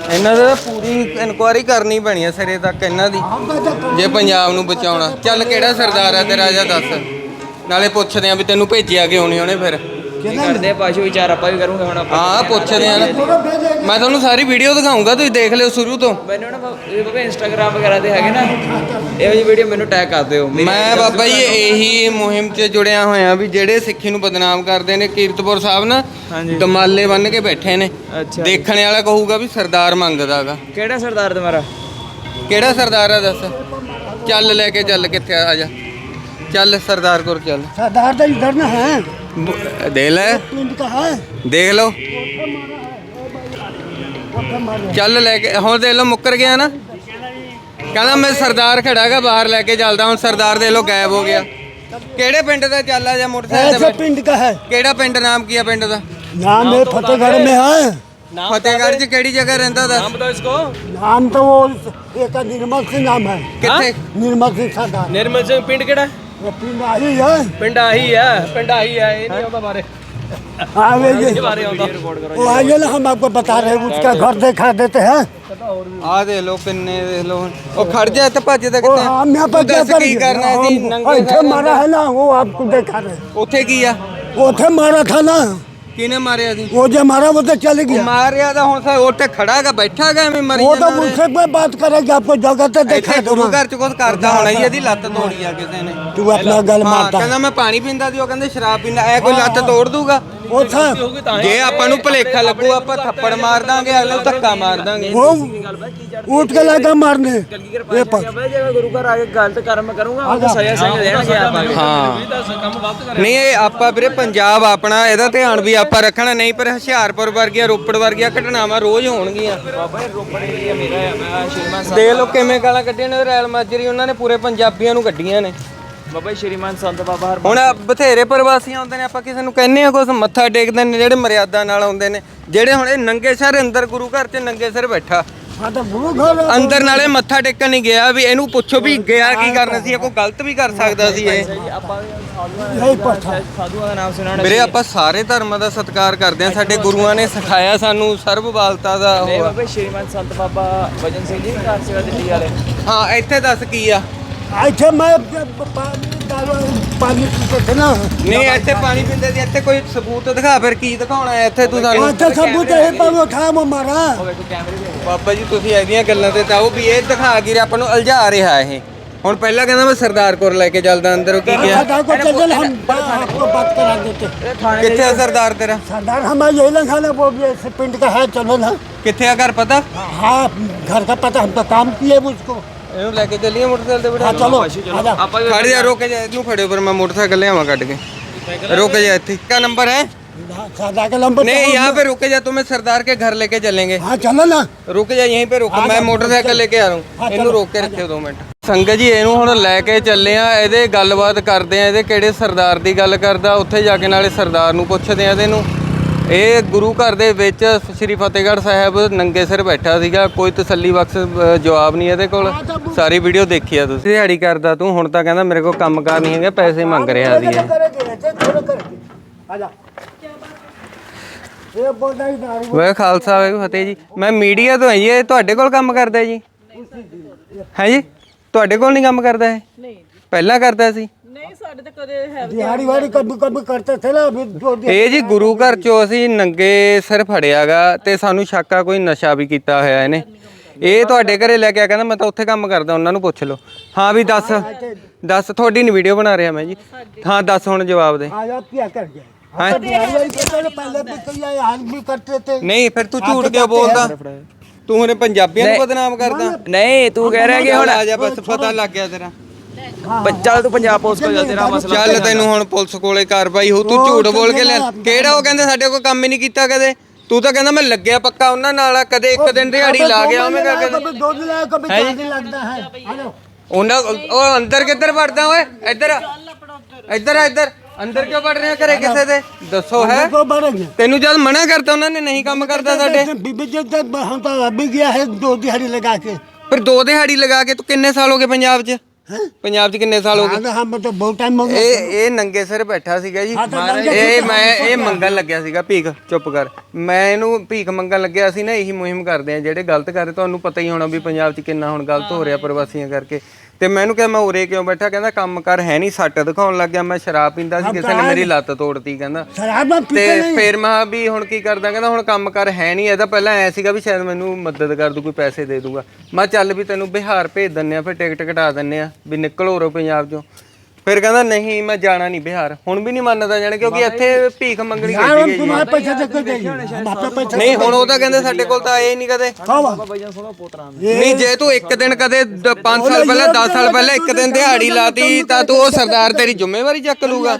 A: ਇਹਨਾਂ ਦਾ ਪੂਰੀ ਇਨਕੁਆਇਰੀ ਕਰਨੀ ਪੈਣੀ ਆ ਸਿਰੇ ਤੱਕ ਇਹਨਾਂ ਦੀ, ਜੇ ਪੰਜਾਬ ਨੂੰ ਬਚਾਉਣਾ। ਚੱਲ ਕਿਹੜਾ ਸਰਦਾਰ ਆ ਤੇਰਾ ਜਾਂ ਦੱਸ, ਨਾਲੇ ਪੁੱਛਦੇ ਆ ਵੀ ਤੈਨੂੰ ਭੇਜਿਆ ਕਿਉਂ ਨਹੀਂ ਉਹਨੇ ਫਿਰ।
C: ਕੀ ਕਰਦੇ ਆ ਪਾਸ਼ੋ ਵਿਚਾਰ ਆਪਾਂ ਵੀ ਕਰੂੰਗੇ ਹੁਣ ਆਪਾਂ।
A: ਹਾਂ ਪੁੱਛਦੇ ਆ ਨਾ, ਮੈਂ ਤੁਹਾਨੂੰ ਸਾਰੀ ਵੀਡੀਓ ਦਿਖਾਉਂਗਾ, ਤੁਸੀਂ ਦੇਖ ਲਿਓ ਸ਼ੁਰੂ ਤੋਂ।
C: ਮੈਨੂੰ ਨਾ ਬਾਬਾ ਇੰਸਟਾਗ੍ਰਾਮ ਵਗੈਰਾ ਤੇ ਹੈਗੇ ਨਾ ਇਹੋ ਜਿਹੀ ਵੀਡੀਓ ਮੈਨੂੰ ਟੈਗ ਕਰ ਦਿਓ।
A: ਮੈਂ ਬਾਬਾ ਜੀ ਇਹੀ ਮੁਹਿੰਮ 'ਚ ਜੁੜਿਆ ਹੋਇਆ ਵੀ ਜਿਹੜੇ ਸਿੱਖੀ ਨੂੰ ਬਦਨਾਮ ਕਰਦੇ ਨੇ, ਕੀਰਤਪੁਰ ਸਾਹਿਬ ਨਾ
C: ਹਾਂਜੀ।
A: ਦਮਾਲੇ ਬੰਨ ਕੇ ਬੈਠੇ ਨੇ,
C: ਅੱਛਾ
A: ਦੇਖਣ ਵਾਲਾ ਕਹੂਗਾ ਵੀ ਸਰਦਾਰ ਮੰਗਦਾਗਾ।
C: ਕਿਹੜਾ ਸਰਦਾਰ ਤੁਹਾਡਾ?
A: ਕਿਹੜਾ ਸਰਦਾਰ ਆ ਦੱਸ, ਚੱਲ ਲੈ ਕੇ ਚੱਲ, ਕਿੱਥੇ ਆ ਜਾ, ਚੱਲ ਸਰਦਾਰ ਕੋਲ ਚੱਲ।
B: सरदार तो इधर ना है,
A: ਦੇਖ ਲੈ,
B: पिंड का है।
A: ਦੇਖ ਲਓ, ਚੱਲ ਲੈ ਕੇ। ਹੁਣ ਦੇਖ ਲਓ ਮੁੱਕਰ ਗਿਆ ਨਾ, ਕਹਿੰਦਾ ਮੈਂ ਸਰਦਾਰ ਖੜਾਗਾ ਬਾਹਰ ਲੈ ਕੇ ਚੱਲਦਾ। ਹੁਣ ਸਰਦਾਰ ਦੇਖ ਲਓ ਗਾਇਬ ਹੋ ਗਿਆ। ਕਿਹੜੇ ਪਿੰਡ ਦਾ ਚੱਲ ਆ ਜਾ ਮੋਟਰਸਾਈਕਲ
B: ऐसे
A: ਤੇ।
B: पिंड का है,
A: ਕਿਹੜਾ ਪਿੰਡ, ਨਾਮ ਕੀ ਆ ਪਿੰਡ ਦਾ?
B: नाम है फतेहगढ़ में है।
A: ਫਤਿਹਗੜ੍ਹ 'ਚ ਕਿਹੜੀ ਜਗ੍ਹਾ ਰਹਿੰਦਾ ਦੱਸ।
B: नाम तो वो एक निर्मल सिंह नाम है,
A: ਕਿੱਥੇ?
B: निर्मल सिंह सरदार।
D: ਨਿਰਮਲ ਸਿੰਘ ਪਿੰਡ ਕਿਹੜਾ?
B: वो पिंड आई है।
D: ਪਿੰਡ ਆਹੀ ਹੈ, ਪਿੰਡ ਆਹੀ ਹੈ, ਇਹ ਨਹੀਂ ਆਉਂਦਾ ਬਾਰੇ
B: हाँ वे ये
D: ਬਾਰੇ ਆਉਂਦਾ।
B: वो आइए ना, हम आपको बता रहे हैं, उसका घर दिखा देते हैं।
A: ਆ ਦੇਖ ਲਓ ਕਿੰਨੇ, ਦੇਖ ਲਓ। ਉਹ खड़ जा ਤੇ ਭੱਜਦਾ
B: वो
A: ਕਿੱਥੇ?
B: हम यहाँ पर
A: ਤੂੰ
B: क्या
A: ਦੱਸ ਕੀ ਕਰਨਾ ਸੀ?
B: करेंगे?
A: ਨੰਗੇ
B: ऐसे
A: ਪੈਰ
B: मारा है ना, वो आपको दिखा रहे हैं।
A: ਉੱਥੇ ਕੀ ਆ?
B: वो थे मारा था ना,
A: ਕਿਹਨੇ ਮਾਰਿਆ ਸੀ?
B: वो जो मारा वो तो चले गया।
A: ਮਾਰਿਆ ਤਾਂ ਹੁਣ ਸਾ ਉੱਥੇ ਖੜਾਗਾ ਬੈਠਾਗਾ ਐਵੇਂ ਮਰੀ
B: वो तो
A: ਜਾਂਦਾ
B: मुझसे कोई बात करेगा, आपको जगह तो
A: ਇੱਥੇ
B: दिखा
A: ਗੁਰੂ
B: दूंगा।
A: ਘਰ ਚ ਕੁਝ ਕਰਦਾ ਹੋਣਾ ਜੀ, ਇਹਦੀ ਲੱਤ ਤੋੜੀ ਆ ਕਿਸੇ ਨੇ।
B: तू अपना गल
A: ਹਾਂ
B: मारता
A: ਕਹਿੰਦਾ
B: है।
A: ਮੈਂ ਪਾਣੀ ਪੀਂਦਾ ਸੀ, ਉਹ ਕਹਿੰਦੇ ਸ਼ਰਾਬ ਪੀਂਦਾ। ਐ ਕੋਈ ਲੱਤ ਤੋੜ ਦੂਗਾ?
B: वो था,
A: ਜੇ ਆਪਾਂ ਨੂੰ ਭੁਲੇਖਾ ਲੱਗੂ ਆਪਾਂ ਥੱਪੜ ਮਾਰ ਦਾਂਗੇ, ਅਗਲੇ ਨੂੰ ਧੱਕਾ ਮਾਰ ਦਾਂਗੇ।
B: वो उठ के लगा मारने। ये पर
C: ਜੇ ਗੁਰੂ ਘਰ ਆ ਕੇ ਗਲਤ ਕਰਮ ਕਰੂੰਗਾ ਉਹ ਸਜ਼ਾ ਸਹੀ ਦੇਣਗੇ ਆਪਾਂ।
A: ਹਾਂ ਨਹੀਂ ਇਹ ਆਪਾਂ ਵੀਰੇ ਪੰਜਾਬ ਆਪਣਾ, ਇਹਦਾ ਧਿਆਨ ਵੀ ਆਪਾਂ ਰੱਖਣਾ। ਨਹੀਂ ਪਰ ਹੁਸ਼ਿਆਰਪੁਰ ਵਰਗੀਆਂ, ਰੋਪੜ ਵਰਗੀਆਂ ਘਟਨਾਵਾਂ ਰੋਜ਼ ਹੋਣਗੀਆਂ।
C: ਬਾਬਾ ਇਹ ਰੋਪੜ ਏਰੀਆ ਮੇਰਾ ਹੈ, ਮੈਂ ਸ਼੍ਰੀਮਾਨ ਸਾਹਿਬ।
A: ਦੇਖ ਲਓ ਕਿਵੇਂ ਗਾਲਾਂ ਕੱਢੀਆਂ ਨੇ ਰੈਲ ਮਾਜਰੀ, ਉਹਨਾਂ ਨੇ ਪੂਰੇ ਪੰਜਾਬੀਆਂ ਨੂੰ ਕੱਢੀਆਂ ਨੇ।
C: ਬਾਬਾ ਸ਼੍ਰੀਮਾਨ ਸੰਤ ਬਾਬਾ ਹਰ
A: ਹੁਣ ਬਥੇਰੇ ਪ੍ਰਵਾਸੀ ਆਉਂਦੇ ਨੇ, ਆਪਾਂ ਕਿਸੇ ਨੂੰ ਕਹਿੰਦੇ ਆ ਕੁਛ, ਮੱਥਾ ਟੇਕਦੇ ਨੇ ਜਿਹੜੇ ਮਰਿਆਦਾ ਨਾਲ ਆਉਂਦੇ ਨੇ। ਜਿਹੜੇ ਹੁਣ ਇਹ ਨੰਗੇ ਸਿਰ ਅੰਦਰ ਗੁਰੂ ਘਰ 'ਚ ਨੰਗੇ ਸਿਰ ਬੈਠਾ
B: हाँ तो गुरु घर है।
A: ਅੰਦਰ, ਨਾਲੇ ਮੱਥਾ ਟੇਕਣ ਨਹੀਂ ਗਿਆ। ਵੀ ਇਹਨੂੰ ਪੁੱਛੋ ਵੀ ਗਿਆ ਕੀ ਕਰਨਾ ਸੀ, ਇਹ ਕੋਈ ਗਲਤ ਵੀ ਕਰ ਸਕਦਾ ਸੀ ਇਹ।
C: ਆਪਾਂ
B: यही पर था।
C: ਸਾਧੂਆਂ ਦਾ ਨਾਮ ਸੁਣਾਉਣਾ
A: ਵੀਰੇ ਆਪਾਂ ਸਾਰੇ ਧਰਮਾਂ ਦਾ ਸਤਿਕਾਰ ਕਰਦੇ ਆ, ਸਾਡੇ ਗੁਰੂਆਂ ਨੇ ਸਿਖਾਇਆ ਸਾਨੂੰ ਸਰਬਬਾਲਤਾ ਦਾ
C: ਨਹੀਂ
A: ਉਹ।
C: ਬਾਬਾ ਸ਼੍ਰੀਮਾਨ ਸੰਤ ਬਾਬਾ ਵਜਨ ਸਿੰਘ ਜੀ ਘਰ ਸੇਵਾ ਦਿੱਲੀ ਵਾਲੇ।
A: ਹਾਂ ਇੱਥੇ ਦੱਸ ਕੀ ਆ?
B: ऐसे मैं पानी पीते थे ना।
A: ਨਹੀਂ ਇੱਥੇ ਪਾਣੀ ਪੀਂਦੇ ਸੀ, ਇੱਥੇ ਕੋਈ ਸਬੂਤ ਦਿਖਾ। ਫਿਰ ਕੀ ਦਿਖਾਉਣਾ ਹੈ ਇੱਥੇ ਤੂੰ ਸਾਨੂੰ?
B: अच्छा सबूत है, पर वो था वो मारा।
C: ਉਹ ਵੇਖੋ ਕੈਮਰੇ ਦੇ
A: ਬਾਬਾ ਜੀ ਤੁਸੀਂ ਇਹਦੀਆਂ ਗੱਲਾਂ ਤੇ ਤਾਂ ਉਹ ਵੀ ਇਹ ਦਿਖਾ ਕੇ ਆਪਾਂ ਨੂੰ ਉਲਝਾ ਰਿਹਾ ਇਹ। ਹੁਣ ਪਹਿਲਾਂ ਕਹਿੰਦਾ ਮੈਂ ਸਰਦਾਰ ਕੋਲ ਲੈ ਕੇ ਚੱਲਦਾ ਅੰਦਰ, ਉਹ ਕੀ ਗਿਆ?
B: सरदार को चल हम आपको बात करा देते।
A: ਕਿੱਥੇ ਆ ਸਰਦਾਰ ਤੇਰਾ?
B: सरदार हमारा यही लगा ना, वो भी ऐसे पिंड का है, चलो ना।
A: ਕਿੱਥੇ ਆ ਘਰ ਪਤਾ?
B: हाँ घर का पता, हम तो काम किए उसको।
A: ਇਹਨੂੰ ਲੈ ਕੇ ਚੱਲੀਏ ਮੋਟਰਸਾਈਕਲ ਤੇ ਬਿਠਾ।
B: हाँ चलो आजा।
C: ਆਪਾਂ
A: ਖੜ ਜਾ, ਰੁਕ ਜਾ, ਇਹਨੂੰ ਖੜਿਓ ਪਰ ਮੈਂ ਮੋਟਰਸਾਈਕਲ ਲਿਆਵਾਂ ਕੱਢ ਕੇ। रुक जा, क्या नंबर है?
B: सरदार का नंबर
A: नहीं यहाँ पे रुके जा, तुम्हें सरदार के घर लेके चलेंगे।
B: हाँ चलो ना।
A: रुक जा यहीं पे रुक, मैं मोटरसाइकिल लेके आ रहा हूँ। ਇਹਨੂੰ ਰੋਕ ਕੇ ਰੱਖਿਓ 2 ਮਿੰਟ। ਸੰਗਤ ਜੀ ਇਹਨੂੰ ਹੁਣ ਲੈ ਕੇ ਚੱਲੇ ਆ, ਇਹਦੇ ਗੱਲਬਾਤ ਕਰਦੇ ਆ, ਇਹਦੇ ਕਿਹੜੇ ਸਰਦਾਰ ਦੀ ਗੱਲ ਕਰਦਾ, ਉੱਥੇ ਜਾ ਕੇ ਨਾਲੇ ਸਰਦਾਰ ਨੂੰ ਪੁੱਛਦੇ ਆ ਇਹਦੇ ਨੂੰ। ਇਹ ਗੁਰੂ ਘਰ ਦੇ ਵਿੱਚ ਸ੍ਰੀ ਫਤਿਹਗੜ੍ਹ ਸਾਹਿਬ ਨੰਗੇ ਸਿਰ ਬੈਠਾ ਸੀਗਾ, ਕੋਈ ਤਸੱਲੀ ਬਖਸ਼ ਜਵਾਬ ਨਹੀਂ ਇਹਦੇ ਕੋਲ। ਸਾਰੀ ਵੀਡੀਓ ਦੇਖੀ ਆ ਤੁਸੀਂ। ਦਿਹਾੜੀ ਕਰਦਾ ਤੂੰ, ਹੁਣ ਤਾਂ ਕਹਿੰਦਾ ਮੇਰੇ ਕੋਲ ਕੰਮਕਾਰ ਨਹੀਂ ਹੈਗਾ, ਪੈਸੇ ਮੰਗ ਰਿਹਾ ਸੀ
B: आजा। ये बोल रही दारू।
A: ਵਾਹਿਗੁਰੂ ਖਾਲਸਾ ਵਾਹਿਗੁਰੂ ਫਤਿਹ ਜੀ। ਮੈਂ ਮੀਡੀਆ ਤੋਂ ਹਾਂ ਜੀ, ਇਹ ਤੁਹਾਡੇ ਕੋਲ ਕੰਮ ਕਰਦਾ ਜੀ? ਹੈ ਜੀ, ਤੁਹਾਡੇ ਕੋਲ ਨਹੀਂ ਕੰਮ ਕਰਦਾ ਇਹ?
E: ਨਹੀਂ
A: ਪਹਿਲਾਂ ਕਰਦਾ ਸੀ?
E: ਨਹੀਂ ਸਾਡੇ ਤਾਂ ਕਦੇ ਹੈ
B: दिहाड़ी वाड़ी कभी कभी करते थे ना, अभी 2 दिन।
A: ਇਹ ਜੀ ਗੁਰੂ ਘਰ ਚੋਂ ਅਸੀਂ ਨੰਗੇ ਸਿਰ ਫੜਿਆਗਾ ਤੇ ਸਾਨੂੰ ਸ਼ੱਕ ਆ ਕੋਈ ਨਸ਼ਾ ਵੀ ਕੀਤਾ ਹੋਇਆ ਇਹਨੇ। ਇਹ ਤੁਹਾਡੇ ਘਰੇ ਲੈ ਕੇ ਆ, ਕਹਿੰਦਾ ਮੈਂ ਤਾਂ ਉੱਥੇ ਕੰਮ ਕਰਦਾ, ਉਹਨਾਂ ਨੂੰ ਪੁੱਛ ਲਓ। ਹਾਂ ਵੀ ਦੱਸ ਤੁਹਾਡੀ ਨਹੀਂ ਵੀਡੀਓ ਬਣਾ ਰਿਹਾ ਮੈਂ ਜੀ। ਹਾਂ ਦੱਸ ਹੁਣ ਜਵਾਬ ਦੇ।
B: आज आप क्या कर गए?
A: ਹੈਂ?
B: दिहाड़ी वाड़ी करते थे, पहले भी किया है, आज भी करते थे।
A: ਨਹੀਂ ਫਿਰ ਤੂੰ ਝੂਠ ਕਿਉਂ ਬੋਲਦਾ? ਤੂੰ ਹੁਣ ਪੰਜਾਬੀਆਂ ਨੂੰ ਬਦਨਾਮ ਕਰਦਾ।
C: ਨਹੀਂ ਤੂੰ ਕਹਿ ਰਿਹਾ ਕਿ ਹੁਣ
A: ਆ ਜਾ, ਬਸ ਪਤਾ ਲੱਗ ਗਿਆ ਤੇਰਾ।
C: ਚੱਲ ਤੂੰ ਪੰਜਾਬ ਪੁਲਿਸ ਕੋਲ ਜਾ, ਤੇਰਾ ਮਸਲਾ
A: ਚੱਲ ਤੈਨੂੰ ਹੁਣ ਪੁਲਿਸ ਕੋਲੇ ਕਾਰਵਾਈ ਹੋ। ਤੂੰ ਝੂਠ ਬੋਲ ਕੇ ਲੈ, ਕਿਹੜਾ ਉਹ ਕਹਿੰਦੇ ਸਾਡੇ ਕੋਲ ਕੰਮ ਹੀ ਨਹੀਂ ਕੀਤਾ ਕਦੇ। ਤੂੰ ਤਾਂ ਕਹਿੰਦਾ ਮੈਂ ਲੱਗਿਆ ਪੱਕਾ ਉਹਨਾਂ ਨਾਲ, ਕਦੇ ਇੱਕ ਦਿਨ ਦਿਹਾੜੀ ਲਾ ਗਿਆ ਉਹਨੇ ਕਦੇ।
B: कभी 2 दिन आया, कभी 4 दिन लगता है। हेलो।
A: ਉਹਨਾਂ ਉਹ ਅੰਦਰ ਕਿੱਧਰ ਵੜਦਾ ਓਏ? ਇੱਧਰ ਆ, ਇੱਧਰ ਆ, ਇੱਧਰ ਅੰਦਰ ਕਿਉਂ ਵੜ ਰਿਹਾ ਘਰੇ ਕਿਸੇ ਦੇ? ਦੱਸੋ ਹੈ
B: तो बढ़ेंगे।
A: ਤੈਨੂੰ ਜਦ ਮਨਾ ਕਰਤਾ ਉਹਨਾਂ ਨੇ ਨਹੀਂ ਕੰਮ ਕਰਦਾ ਸਾਡੇ।
B: बीबी जी हम तो अभी गया है 2 दिहाड़ी लगा के।
A: ਫਿਰ 2 ਦਿਹਾੜੀ ਲਗਾ ਕੇ ਤੂੰ ਕਿੰਨੇ ਸਾਲ ਹੋ ਗਏ ਪੰਜਾਬ 'ਚ? ਪੰਜਾਬ 'ਚ ਕਿੰਨੇ ਸਾਲ ਹੋ ਗਏ?
B: हाँ हम तो बहुत टाइम हो गया।
A: ਇਹ ਨੰਗੇ ਸਿਰ ਬੈਠਾ ਸੀਗਾ ਜੀ।
B: ਹਾਂ ਤਾਂ ਨੰਗੇ
A: ਇਹ ਮੰਗਣ ਲੱਗਿਆ ਸੀਗਾ ਭੀਖ। ਚੁੱਪ ਕਰ। ਮੈਂ ਇਹਨੂੰ ਭੀਖ ਮੰਗਣ ਲੱਗਿਆ ਸੀ ਨਾ। ਇਹੀ ਮੁਹਿੰਮ ਕਰਦੇ ਆ ਜਿਹੜੇ ਗਲਤ ਕਰਦੇ। ਤੁਹਾਨੂੰ ਪਤਾ ਹੀ ਹੋਣਾ ਵੀ ਪੰਜਾਬ 'ਚ ਕਿੰਨਾ ਹੁਣ ਗਲਤ ਹੋ ਰਿਹਾ ਪ੍ਰਵਾਸੀਆਂ ਕਰਕੇ। ਤੇ ਮੈਨੂੰ ਕਿਹਾ ਮੈਂ ਉਰੇ ਕਿਉਂ ਬੈਠਾ? ਕਹਿੰਦਾ ਕੰਮ ਕਰ ਹੈ ਨਹੀਂ। ਸੱਟ ਦਿਖਾਉਣ ਲੱਗ ਗਿਆ। ਮੈਂ ਸ਼ਰਾਬ ਪੀਂਦਾ ਸੀ, ਕਿਸੇ ਨੇ ਮੇਰੀ ਲੱਤ ਤੋੜਤੀ ਕਹਿੰਦਾ।
B: शराब में
A: ਤੇ
B: पीते नहीं।
A: ਫਿਰ ਮੈਂ ਵੀ ਹੁਣ ਕੀ ਕਰਦਾ? ਕਹਿੰਦਾ ਹੁਣ ਕੰਮ ਕਰ ਹੈ ਨਹੀਂ। ਇਹਦਾ ਪਹਿਲਾਂ ਐ ਸੀਗਾ ਵੀ ਸ਼ਾਇਦ ਮੈਨੂੰ ਮਦਦ ਕਰ ਦੂ, ਕੋਈ ਪੈਸੇ ਦੇ ਦੂਗਾ। ਮੈਂ ਚੱਲ ਵੀ ਤੈਨੂੰ ਬਿਹਾਰ ਭੇਜ ਦਿੰਨੇ ਆ, ਫਿਰ ਟਿਕਟ ਕਟਾ ਦਿੰਨੇ ਆ ਵੀ ਨਿਕਲ ਹੋ ਰੋ ਪੰਜਾਬ 'ਚੋਂ। ਫਿਰ ਕਹਿੰਦਾ ਨਹੀਂ ਮੈਂ ਜਾਣਾ ਨਹੀਂ ਬਿਹਾਰ। ਹੁਣ ਵੀ ਨਹੀਂ ਮੰਨਦਾ ਜਾਣ, ਕਿਉਂਕਿ ਇੱਥੇ ਭੀਖ ਮੰਗਣੀ
B: यार
A: ਕੀਤੀ
B: हम
A: ਗਈ ਹੈ।
B: तुम्हारे पैसे दे के देंगे, हम आपका पैसा
A: ਨਹੀਂ ਹੁਣ ਉਹ ਤਾਂ ਕਹਿੰਦੇ ਸਾਡੇ ਕੋਲ ਤਾਂ ਆਏ ਨਹੀਂ ਕਦੇ। ਨਹੀਂ ਜੇ ਤੂੰ ਇੱਕ ਦਿਨ ਕਦੇ 5 ਸਾਲ ਪਹਿਲਾਂ 10 ਸਾਲ ਪਹਿਲਾਂ ਇੱਕ ਦਿਨ ਦਿਹਾੜੀ ਲਾਤੀ ਤਾਂ ਤੂੰ ਉਹ ਸਰਦਾਰ ਤੇਰੀ ਜ਼ਿੰਮੇਵਾਰੀ ਚੱਕ ਲੂਗਾ।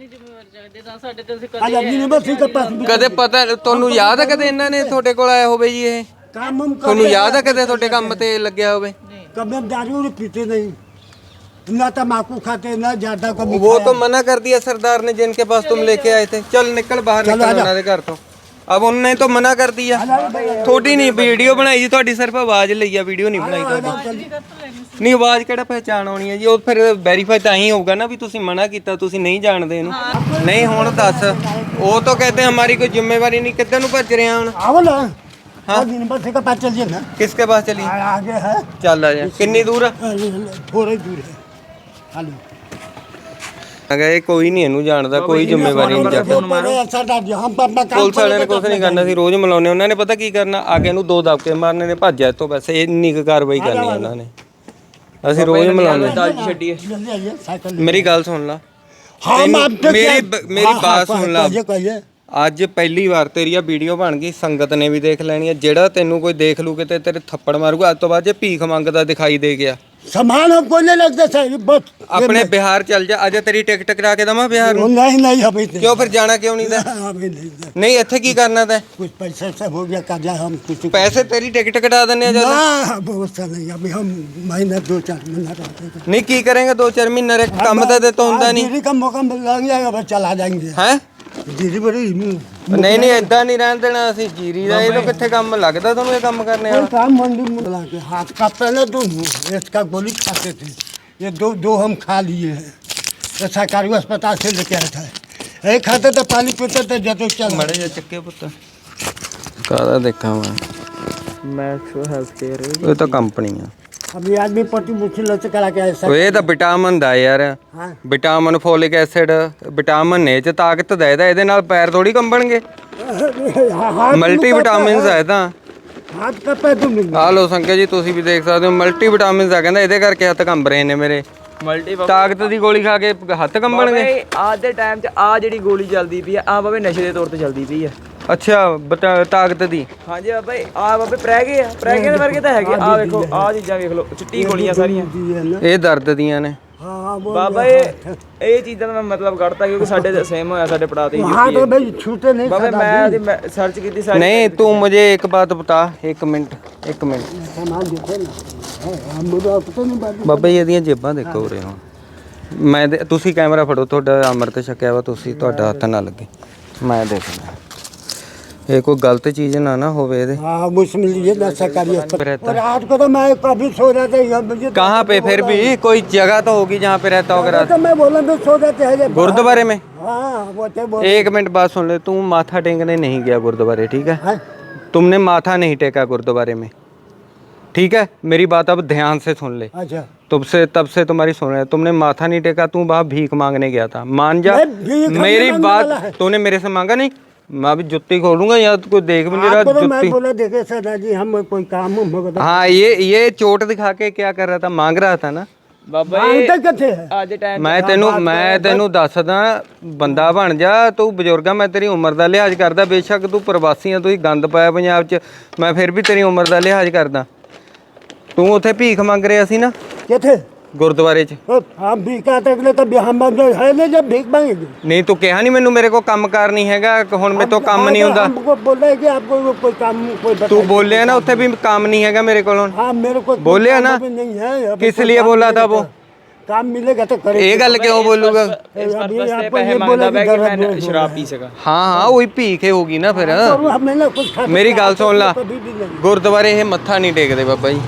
B: आज यूनिवर्सिटी के पास भी
A: ਕਦੇ ਪਤਾ ਤੁਹਾਨੂੰ ਯਾਦ ਹੈ ਕਦੇ ਇਹਨਾਂ ਨੇ ਤੁਹਾਡੇ ਕੋਲ ਆਇਆ ਹੋਵੇ ਜੀ? ਇਹ
B: काम हम
A: ਤੁਹਾਨੂੰ ਯਾਦ ਹੈ ਕਦੇ ਤੁਹਾਡੇ ਕੰਮ ਤੇ ਲੱਗਿਆ ਹੋਵੇ?
B: कभी हम दारू नहीं पीते नहीं, ना तम्बाकू खाते, ना ज्यादा कभी
A: वो तो मना कर दिया सरदार ने जिनके पास तुम लेके आए थे। चल निकल बाहर, निकल ਉਹਨਾਂ ਦੇ ਘਰ ਤੋਂ। अब उन्होंने तो मना कर दिया। थोड़ी नहीं वीडियो बनाई जी, थोड़ी सिर्फ आवाज ਲਈ ਆ, ਵੀਡੀਓ ਨਹੀਂ ਬਣਾਈ ਤੁਹਾਡੀ। ਨਹੀਂ ਆਵਾਜ਼ ਕਿਹੜਾ ਪਹਿਚਾਣ ਆਉਣੀ ਹੈ ਜੀ? ਉਹ ਫਿਰ ਵੈਰੀਫਾਈ ਤਾਂ ਹੀ ਹੋਊਗਾ ਨਾ ਵੀ ਤੁਸੀਂ ਮਨਾ ਕੀਤਾ, ਤੁਸੀਂ ਨਹੀਂ ਜਾਣਦੇ ਇਹਨੂੰ। ਨਹੀਂ ਹੁਣ ਦੱਸ, ਉਹ ਤਾਂ ਕਹਿੰਦੇ ਹਮਾਰੀ ਕੋਈ ਜ਼ਿੰਮੇਵਾਰੀ नहीं। ਕਿੱਧਰ ਨੂੰ ਭੱਜ ਰਿਹਾ ਹੁਣ?
B: आओ ना। हाँ यूनिवर्सिटी के पास चलिए ना।
A: किसके पास चली?
B: आगे है,
A: ਚੱਲ ਆ ਜਾ। ਕਿੰਨੀ ਦੂਰ ਆ?
B: थोड़ी दूर है। हेलो
A: ਅਗਾ ਇਹ ਕੋਈ ਨਹੀਂ ਇਹਨੂੰ ਜਾਣਦਾ, ਕੋਈ ਜ਼ਿੰਮੇਵਾਰੀ ਨਹੀਂ ਚੱਕਦਾ।
B: सरदार जी हम अपना काम
A: ਪੁਲਿਸ ਵਾਲਿਆਂ ਨੇ ਕੁਝ ਨਹੀਂ ਕਰਨਾ ਸੀ, ਰੋਜ਼ ਮਿਲਾਉਂਦੇ। ਉਹਨਾਂ ਨੇ ਪਤਾ ਕੀ ਕਰਨਾ? ਅੱਗੇ ਨੂੰ 2 ਦਬਕੇ ਮਾਰਨੇ ਨੇ, ਭੱਜਿਆ ਇੱਥੋਂ। ਬਸ ਇੰਨੀ ਕੁ ਕਾਰਵਾਈ ਕਰਨੀ ਹੈ ਉਹਨਾਂ ਨੇ। ਅਸੀਂ ਰੋਜ਼ ਮਿਲਾਉਂਦੇ।
C: ਛੱਡੀਏ।
B: जल्दी आइए, साइकिल
A: ਮੇਰੀ ਗੱਲ ਸੁਣ ਲਾ।
B: हम आपसे
A: ਮੇਰੀ ਬਾਤ ਸੁਣ ਲਾ।
B: कहिए कहिए।
A: ਅੱਜ ਪਹਿਲੀ ਵਾਰ ਤੇਰੀ ਆ ਵੀਡੀਓ ਬਣ ਗਈ, ਸੰਗਤ ਨੇ ਵੀ ਦੇਖ ਲੈਣੀ ਹੈ। ਜਿਹੜਾ ਤੈਨੂੰ ਕੋਈ ਦੇਖ ਲੂ ਕਿਤੇ ਤੇਰੇ ਥੱਪੜ ਮਾਰੂਗਾ। ਅੱਜ ਤੋਂ ਬਾਅਦ ਜੇ ਭੀਖ ਮੰਗਦਾ ਦਿਖਾਈ ਦੇ ਗਿਆ,
B: सामान हमको नहीं लगता सर, बस
A: ਆਪਣੇ ਬਿਹਾਰ ਚੱਲ ਜਾ। ਅੱਜ ਤੇਰੀ ਟਿਕਟ ਕਰਾ ਕੇ ਦਵਾਂ ਬਿਹਾਰ ਨੂੰ?
B: नहीं नहीं अभी नहीं,
A: ਕਿਉਂ ਫਿਰ ਜਾਣਾ ਕਿਉਂ ਨਹੀਂ ਦਾ?
B: अभी नहीं सर।
A: ਨਹੀਂ ਇੱਥੇ ਕੀ ਕਰਨਾ ਤੈਂ?
B: कुछ पैसे से हो गया कर्जा, हम कुछ
A: ਪੈਸੇ ਤੇਰੀ ਟਿਕਟ ਕਟਾ ਦਿੰਨੇ ਆ ਜਦ।
B: ना बहुत सा नहीं, अभी हम महीना 2-4 महीना रहते हैं।
A: ਨਹੀਂ ਕੀ ਕਰੇਗਾ 2-4 महीने रे? ਕੰਮ ਤਾਂ ਤੇ ਤੋਂ ਹੁੰਦਾ ਨਹੀਂ
B: दीदी का मौका लग जाएगा, बस चला जाएंगे।
A: ਹੈ।
B: दीदी बड़ी
A: ਨਹੀਂ ਨਹੀਂ ਏਦਾਂ ਨਹੀਂ ਰਹਿਣ ਦੇਣਾ ਅਸੀਂ। ਜੀਰੀ ਦਾ ਇਹ ਤਾਂ ਕਿੱਥੇ ਕੰਮ ਲੱਗਦਾ ਤੁਹਾਨੂੰ ਇਹ ਕੰਮ ਕਰਨੇ ਵਾਲਾ?
B: काम मंडी में बुला के हाथ का पहले दो इसका गोली खाते थे, ये दो हम खा लिए हैं। ये सरकारी अस्पताल से लेके आए थे, एक खाते थे, पानी पीते थे, जब चल
A: ਮੜੇ ਜਾ ਚੱਕੇ ਪੁੱਤ। ਕਾਹਦਾ ਦੇਖਾਂ ਮੈਂ?
C: Max health care.
A: ਇਹ ਤਾਂ ਕੰਪਨੀ ਆ।
B: अभी आदमी पट्टी मुश्किल से करा के आए
A: ਉਹ ਇਹ ਤਾਂ ਵਿਟਾਮਿਨ ਦਾ ਯਾਰ।
B: हाँ
A: ਵਿਟਾਮਿਨ, ਫੋਲਿਕ ਐਸਿਡ, ਵਿਟਾਮਿਨ ਨੇ ਚ ਤਾਕਤ ਦਾ। ਇਹਦੇ ਨਾਲ ਪੈਰ ਥੋੜੀ ਕੰਬਣਗੇ। ਮਲਟੀ ਵਿਟਾਮਿਨਸ ਆ ਇਹ ਤਾਂ।
B: हाथ का पैर तुम
A: ਆ ਲੋ ਸੰਕੇ ਜੀ, ਤੁਸੀਂ ਵੀ ਦੇਖ ਸਕਦੇ ਹੋ। ਮਲਟੀ ਵਿਟਾਮਿਨਸ ਆ ਕਹਿੰਦਾ, ਇਹਦੇ ਕਰਕੇ ਹੱਥ ਕੰਬ ਰਹੇ ਨੇ ਮੇਰੇ।
C: ਮਲਟੀ
A: ਤਾਕਤ ਦੀ ਗੋਲੀ ਖਾ ਕੇ ਹੱਥ ਕੰਬਣਗੇ?
C: ਅੱਜ ਦੇ ਟਾਈਮ 'ਚ ਆ ਜਿਹੜੀ ਗੋਲੀ ਚੱਲਦੀ ਪਈ ਆ ਬਾਬੇ ਨਸ਼ੇ ਦੇ ਤੌਰ ਤੇ ਚੱਲਦੀ ਪਈ ਆ।
A: ਅੱਛਾ ਤਾਕਤ ਦੀ।
C: ਹਾਂਜੀ ਬਾਬਾ ਆ ਬਾਬੇ ਪ੍ਰੈਗੇ ਦੇ ਵਰਗੇ ਤਾਂ ਹੈਗੇ। ਆ ਵੇਖੋ ਆ ਚੀਜ਼ਾਂ ਵੇਖ ਲਓ, ਚਿੱਟੀ ਗੋਲੀਆਂ ਸਾਰੀਆਂ।
A: ਇਹ ਦਰਦ ਦੀਆਂ ਨੇ।
B: हाँ वो
C: ਬਾਬਾ ਇਹ ਚੀਜ਼ਾਂ ਦਾ ਮੈਂ ਮਤਲਬ ਕੱਢਤਾ ਕਿਉਂਕਿ ਸਾਡੇ ਤੇ ਸੇਮ ਹੋਇਆ, ਸਾਡੇ ਪੜਾ ਤੇ ਹੀ
B: हाँ तो भाई छूटे नहीं
C: ਬਾਬੇ ਮੈਂ ਸਰਚ ਕੀਤੀ ਸਾਰੀ।
A: नहीं तू मुझे एक बात बता, एक मिनट।
B: सामान देते ना, हम मुझे पता नहीं बात।
A: ਬਾਬਾ ਜੀ ਇਹਦੀਆਂ ਜੇਬਾਂ ਦੇਖੋ ਉਰੇ ਹੁਣ। ਮੈਂ ਤੁਸੀਂ ਕੈਮਰਾ ਫੜੋ, ਤੁਹਾਡਾ ਅੰਮ੍ਰਿਤ ਛਕਿਆ ਵਾ ਤੁਸੀਂ, ਤੁਹਾਡਾ ਹੱਥ ਨਾ ਲੱਗੇ। ਮੈਂ ਦੇਖਣਾ ਇਹ ਕੋਈ ਗਲਤ ਚੀਜ਼ ਨਾ ਹੋਵੇ ਇਹਦੇ।
B: हाँ मुझमें लिए ना सरकारी अस्पताल। और रात को तो मैं कभी सो रहा था, मुझे
A: कहाँ पे? फिर भी कोई जगह तो होगी जहाँ पे रहता होगा रात?
B: तो मैं बोला तो सो रहे थे
A: गुरुद्वारे में।
B: हाँ वो थे वो
A: एक मिनट बात सुन ले। तू माथा टेकने नहीं गया गुरुद्वारे, ठीक है?
B: हैं?
A: तुमने माथा नहीं टेका गुरुद्वारे में, ठीक है? मेरी बात अब ध्यान से सुन ले।
B: अच्छा
A: तब से तुम्हारी सुन रहे। तुमने माथा नहीं टेका, तू वहाँ भीख मांगने गया था, मान जा।
B: मैं भीख
A: मेरी
B: नहीं मांगने वाला
A: बात
B: है।
A: तूने मेरे से मांगा नहीं। मैं अभी जुत्ती खोलूंगा या तो कोई देख भी नहीं रहा
B: आपको तो मैं
A: जुत्ती।
B: बोला देखे सरदार जी हम कोई काम होगा
A: हाँ ये चोट दिखा के क्या कर रहा था? मांग रहा था ना।
C: ਬਾਬਾ
B: मांगते किथे है?
C: ਅੱਜ ਦੇ ਟਾਈਮ
A: ਮੈਂ ਤੈਨੂੰ ਦੱਸਦਾ, ਬੰਦਾ ਬਣ ਜਾ ਤੂੰ। ਬਜ਼ੁਰਗਾ ਮੈਂ ਤੇਰੀ ਉਮਰ ਦਾ ਲਿਹਾਜ਼ ਕਰਦਾ। ਬੇਸ਼ੱਕ ਤੂੰ ਪ੍ਰਵਾਸੀ ਆ, ਤੁਸੀਂ ਗੰਦ ਪਾਇਆ ਪੰਜਾਬ 'ਚ, ਮੈਂ ਫਿਰ ਵੀ ਤੇਰੀ ਉਮਰ ਦਾ ਲਿਹਾਜ਼ ਕਰਦਾ। ਤੂੰ ਉੱਥੇ ਭੀਖ ਮੰਗ ਰਿਹਾ ਸੀ ਨਾ
B: किथे
A: ਗੁਰਦੁਆਰੇ 'ਚ?
B: हम भीख आते थे, कभी हम है नहीं जब भीख मांगेंगे।
A: ਨਹੀਂ ਤੂੰ ਕਿਹਾ ਨਹੀਂ ਮੈਨੂੰ ਮੇਰੇ ਕੋਲ ਕੰਮ ਕਾਰ ਨਹੀਂ ਹੈਗਾ, ਹੁਣ ਮੇਰੇ ਤੋਂ ਕੰਮ ਨਹੀਂ ਹੁੰਦਾ।
B: हमको बोला है कि आपको कोई काम कोई बता।
A: ਤੂੰ ਬੋਲਿਆ ਨਾ ਉੱਥੇ ਵੀ ਕੰਮ ਨਹੀਂ ਹੈਗਾ ਮੇਰੇ ਕੋਲ ਹੁਣ।
B: हाँ मेरे को
A: बोले ना?
B: अभी नहीं है, अभी
A: किस
B: कोई
A: लिए
B: काम
A: बोला था
B: मिलेगा
A: वो?
B: तो- काम मिलेगा तो करेंगे।
A: ਇਹ ਗੱਲ ਕਿਉਂ ਬੋਲੂਗਾ?
C: ਇਸ
B: अभी
C: ਪਰਪਸ ਤੇ
B: आपको
C: ਪੈਸੇ
B: ये
C: ਮੰਗਦਾ
B: बोला
C: ਪਿਆ
B: कि
C: ਕਿ
B: गलत
C: ਮੈਂ
B: बोल
C: ਸ਼ਰਾਬ ਪੀ ਸਕਾਂ।
A: ਹਾਂ ਉਹੀ ਭੀਖ ਹੀ ਹੋਗੀ ਨਾ ਫਿਰ।
B: रहा है। हमें ना कुछ खा
A: ਮੇਰੀ ਗੱਲ ਸੁਣ ਲਾ,
B: कभी भी नहीं।
A: ਗੁਰਦੁਆਰੇ ਇਹ ਮੱਥਾ ਨਹੀਂ ਟੇਕਦੇ ਬਾਬਾ ਜੀ।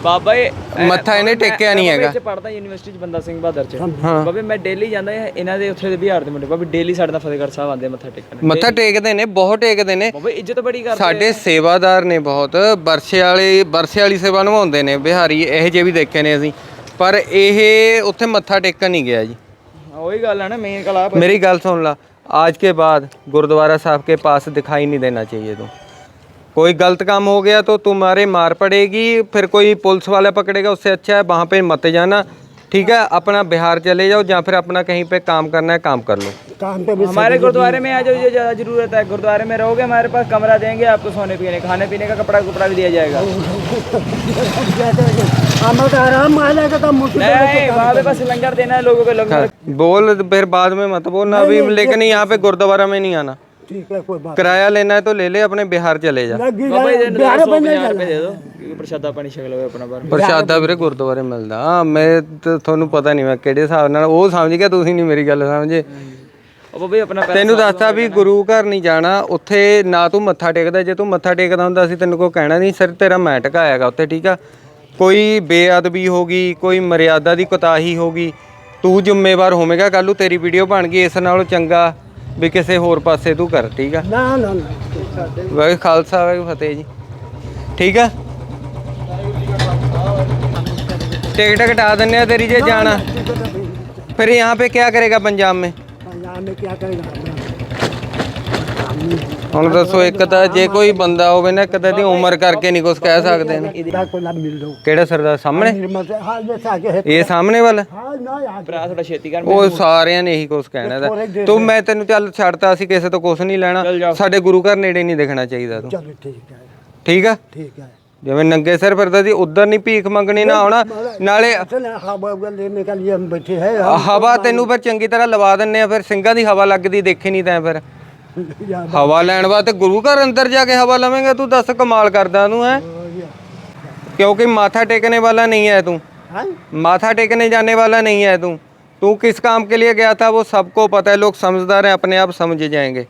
C: ਬਾਬਾ ਇਹ
A: ਮੱਥਾ ਇਹਨੇ ਟੇਕਿਆ ਨਹੀਂ ਹੈਗਾ।
C: ਵਿੱਚ ਪੜਦਾ ਯੂਨੀਵਰਸਿਟੀ ਚ ਬੰਦਾ ਸਿੰਘ ਬਹਾਦਰ ਚ ਬਾਬੇ ਮੈਂ ਡੇਲੀ ਜਾਂਦਾ ਇਹਨਾਂ ਦੇ ਉੱਥੇ ਦੇ ਬਿਹਾਰ ਦੇ ਮੁੰਡੇ ਬਾਬੇ ਡੇਲੀ ਸਾਡੇ ਨਾਲ ਫਤਿਹਗੜ੍ਹ ਸਾਹਿਬ ਆਉਂਦੇ ਮੱਥਾ ਟੇਕਣ।
A: ਮੱਥਾ ਟੇਕਦੇ ਨੇ, ਬਹੁਤ ਟੇਕਦੇ ਨੇ
C: ਬਾਬੇ ਇੱਜ਼ਤ ਬੜੀ ਕਰਦੇ
A: ਸਾਡੇ ਸੇਵਾਦਾਰ ਨੇ ਬਹੁਤ। ਬਰਸੇ ਵਾਲੀ ਸੇਵਾ ਨਿਭਾਉਂਦੇ ਨੇ ਬਿਹਾਰੀ, ਇਹੋ ਜਿਹੇ ਵੀ ਦੇਖੇ ਨੇ ਅਸੀਂ, ਪਰ ਇਹ ਉੱਥੇ ਮੱਥਾ ਟੇਕਣ ਨਹੀਂ ਗਿਆ ਜੀ।
C: ਉਹੀ ਗੱਲ ਹੈ ਨਾ ਮੇਨ ਕਲਾ।
A: मेरी गल सुन ला, आज के बाद गुरुद्वारा साहब के पास दिखाई नहीं देना चाहिए। तुम कोई गलत काम हो गया तो तुम्हारे मार पड़ेगी, फिर कोई पुलिस वाला पकड़ेगा, उससे अच्छा है वहाँ पे मत जाना, ठीक है। अपना बिहार चले जाओ या फिर अपना कहीं पे काम करना है काम कर लो।
B: काम पे भी
C: हमारे गुरुद्वारे में आ जाओ, ये ज़्यादा ज़रूरत है। गुरुद्वारे में रहोगे हमारे पास कमरा देंगे आपको, सोने पीने खाने पीने का कपड़ा भी दिया जाएगा।
B: हमें तो आराम आएगा तो मुश्किल
C: नहीं वहाँ पे बस लंगर देना है लोगों को। लंगर
A: बोल फिर बाद में मत बोलना अभी, लेकिन यहाँ पे गुरुद्वारा में नहीं आना।
B: ठीक है, कोई बात
A: किराया लेना है तो ले ले, अपने बिहार चले जा।
B: लगी
C: बाबा
B: जाए,
C: इधर
B: बिहार
C: 150
B: बन जाएगा।
C: रुपए दे दो क्योंकि प्रसादा पानी छक लो अपना बार।
A: ਪ੍ਰਸ਼ਾਦਾ ਵੀਰੇ ਗੁਰਦੁਆਰੇ ਮਿਲਦਾ। ਹਾਂ ਮੈਂ ਤੁਹਾਨੂੰ ਪਤਾ ਨਹੀਂ ਮੈਂ ਕਿਹੜੇ ਹਿਸਾਬ ਨਾਲ ਉਹ ਸਮਝ ਗਿਆ, ਤੁਸੀਂ ਨਹੀਂ ਮੇਰੀ ਗੱਲ ਸਮਝੇ।
C: ਉਹ ਬਾਬਾ ਆਪਣਾ
A: ਤੈਨੂੰ ਦੱਸਤਾ ਵੀ ਗੁਰੂ ਘਰ ਨਹੀਂ ਜਾਣਾ ਉੱਥੇ, ਨਾ ਤੂੰ ਮੱਥਾ ਟੇਕਦਾ। ਜੇ ਤੂੰ ਮੱਥਾ ਟੇਕਦਾ ਹੁੰਦਾ ਸੀ ਤੈਨੂੰ ਕੋਈ ਕਹਿਣਾ ਨਹੀਂ, ਸਿਰ ਤੇਰਾ ਮੈਂ ਟਿਕਾਇਆਗਾ ਉੱਥੇ, ਠੀਕ ਆ। ਕੋਈ ਬੇਅਦਬੀ ਹੋ ਗਈ, ਕੋਈ ਮਰਿਆਦਾ ਦੀ ਕੁਤਾਹੀ ਹੋ ਗਈ, ਤੂੰ ਜ਼ਿੰਮੇਵਾਰ ਹੋਵੇਂਗਾ। ਕੱਲ੍ਹ ਨੂੰ ਤੇਰੀ ਵੀਡੀਓ ਬਣ ਗਈ, ਇਸ ਨਾਲੋਂ ਚੰਗਾ ਵੀ ਕਿਸੇ ਹੋਰ ਪਾਸੇ ਤੂੰ ਕਰ, ਠੀਕ ਆ।
B: ना ना ना
A: ਵਾਹਿਗੁਰੂ ਖਾਲਸਾ ਵਾਹਿਗੁਰੂ ਫਤਿਹ ਜੀ, ਠੀਕ ਆ। टिकट कटा देने हैं तेरी जे जाना, फिर यहाँ पे क्या करेगा पंजाब में?
B: पंजाब में क्या करेगा?
A: ਹੁਣ ਦੱਸੋ, ਇੱਕ ਤਾਂ ਜੇ ਕੋਈ ਬੰਦਾ ਹੋਵੇ ਨਾ ਕਦੇ ਦੀ ਉਮਰ ਕਰਕੇ ਨਹੀਂ ਕੁਝ ਕਹਿ ਸਕਦੇ ਨੇ।
B: इधर को ना मिल दो।
A: ਕਿਹੜਾ ਸਰਦਾਰ ਸਾਹਮਣੇ?
B: हाँ जैसे आगे है।
A: ਇਹ ਸਾਹਮਣੇ ਵਾਲਾ?
B: हाँ ना यार।
C: ਭਰਾ ਥੋੜਾ ਛੇਤੀ ਕਰ।
A: ਉਹ ਸਾਰਿਆਂ ਨੇ ਇਹੀ ਕੁਝ ਕਹਿਣਾ ਦਾ। ਤੂੰ ਮੈਂ ਤੈਨੂੰ ਚੱਲ ਛੱਡਤਾ, ਅਸੀਂ ਕਿਸੇ ਤੋਂ ਕੁਝ ਨਹੀਂ ਲੈਣਾ। ਸਾਡੇ ਗੁਰੂ ਘਰ ਨੇੜੇ ਨਹੀਂ ਦਿਖਣਾ ਚਾਹੀਦਾ ਤੂੰ,
B: चलो ठीक है,
A: ਠੀਕ ਆ।
B: ठीक है।
A: ਜਿਵੇਂ ਨੰਗੇ ਸਿਰ ਫਿਰਦਾ ਸੀ ਉਧਰ ਨਹੀਂ ਭੀਖ ਮੰਗਣੀ ਨਾ ਆਉਣਾ। ਨਾਲੇ
B: चलो हवा लेने के लिए हम बैठे हैं।
A: ਹਵਾ ਤੈਨੂੰ ਫਿਰ ਚੰਗੀ ਤਰ੍ਹਾਂ ਲਵਾ ਦਿੰਨੇ ਆ, ਫਿਰ ਸਿੰਘਾਂ ਦੀ ਹਵਾ ਲੱਗਦੀ ਦੇਖੀ ਨਹੀਂ ਤੈਂ। ਫਿਰ ਹਵਾ ਲੈਣ ਵਾਸਤੇ ਗੁਰੂ ਘਰ ਅੰਦਰ ਜਾ ਕੇ ਹਵਾ ਲਵੇਂਗਾ ਤੂੰ? ਦੱਸ ਕਮਾਲ ਕਰਦਾ ਤੂੰ ਹੈ। क्योंकि माथा टेकने वाला नहीं है तू, माथा टेकने जाने वाला नहीं है तू। तू किस काम के लिए गया था वो सबको पता है, लोग समझदार हैं, अपने आप समझ जाएंगे।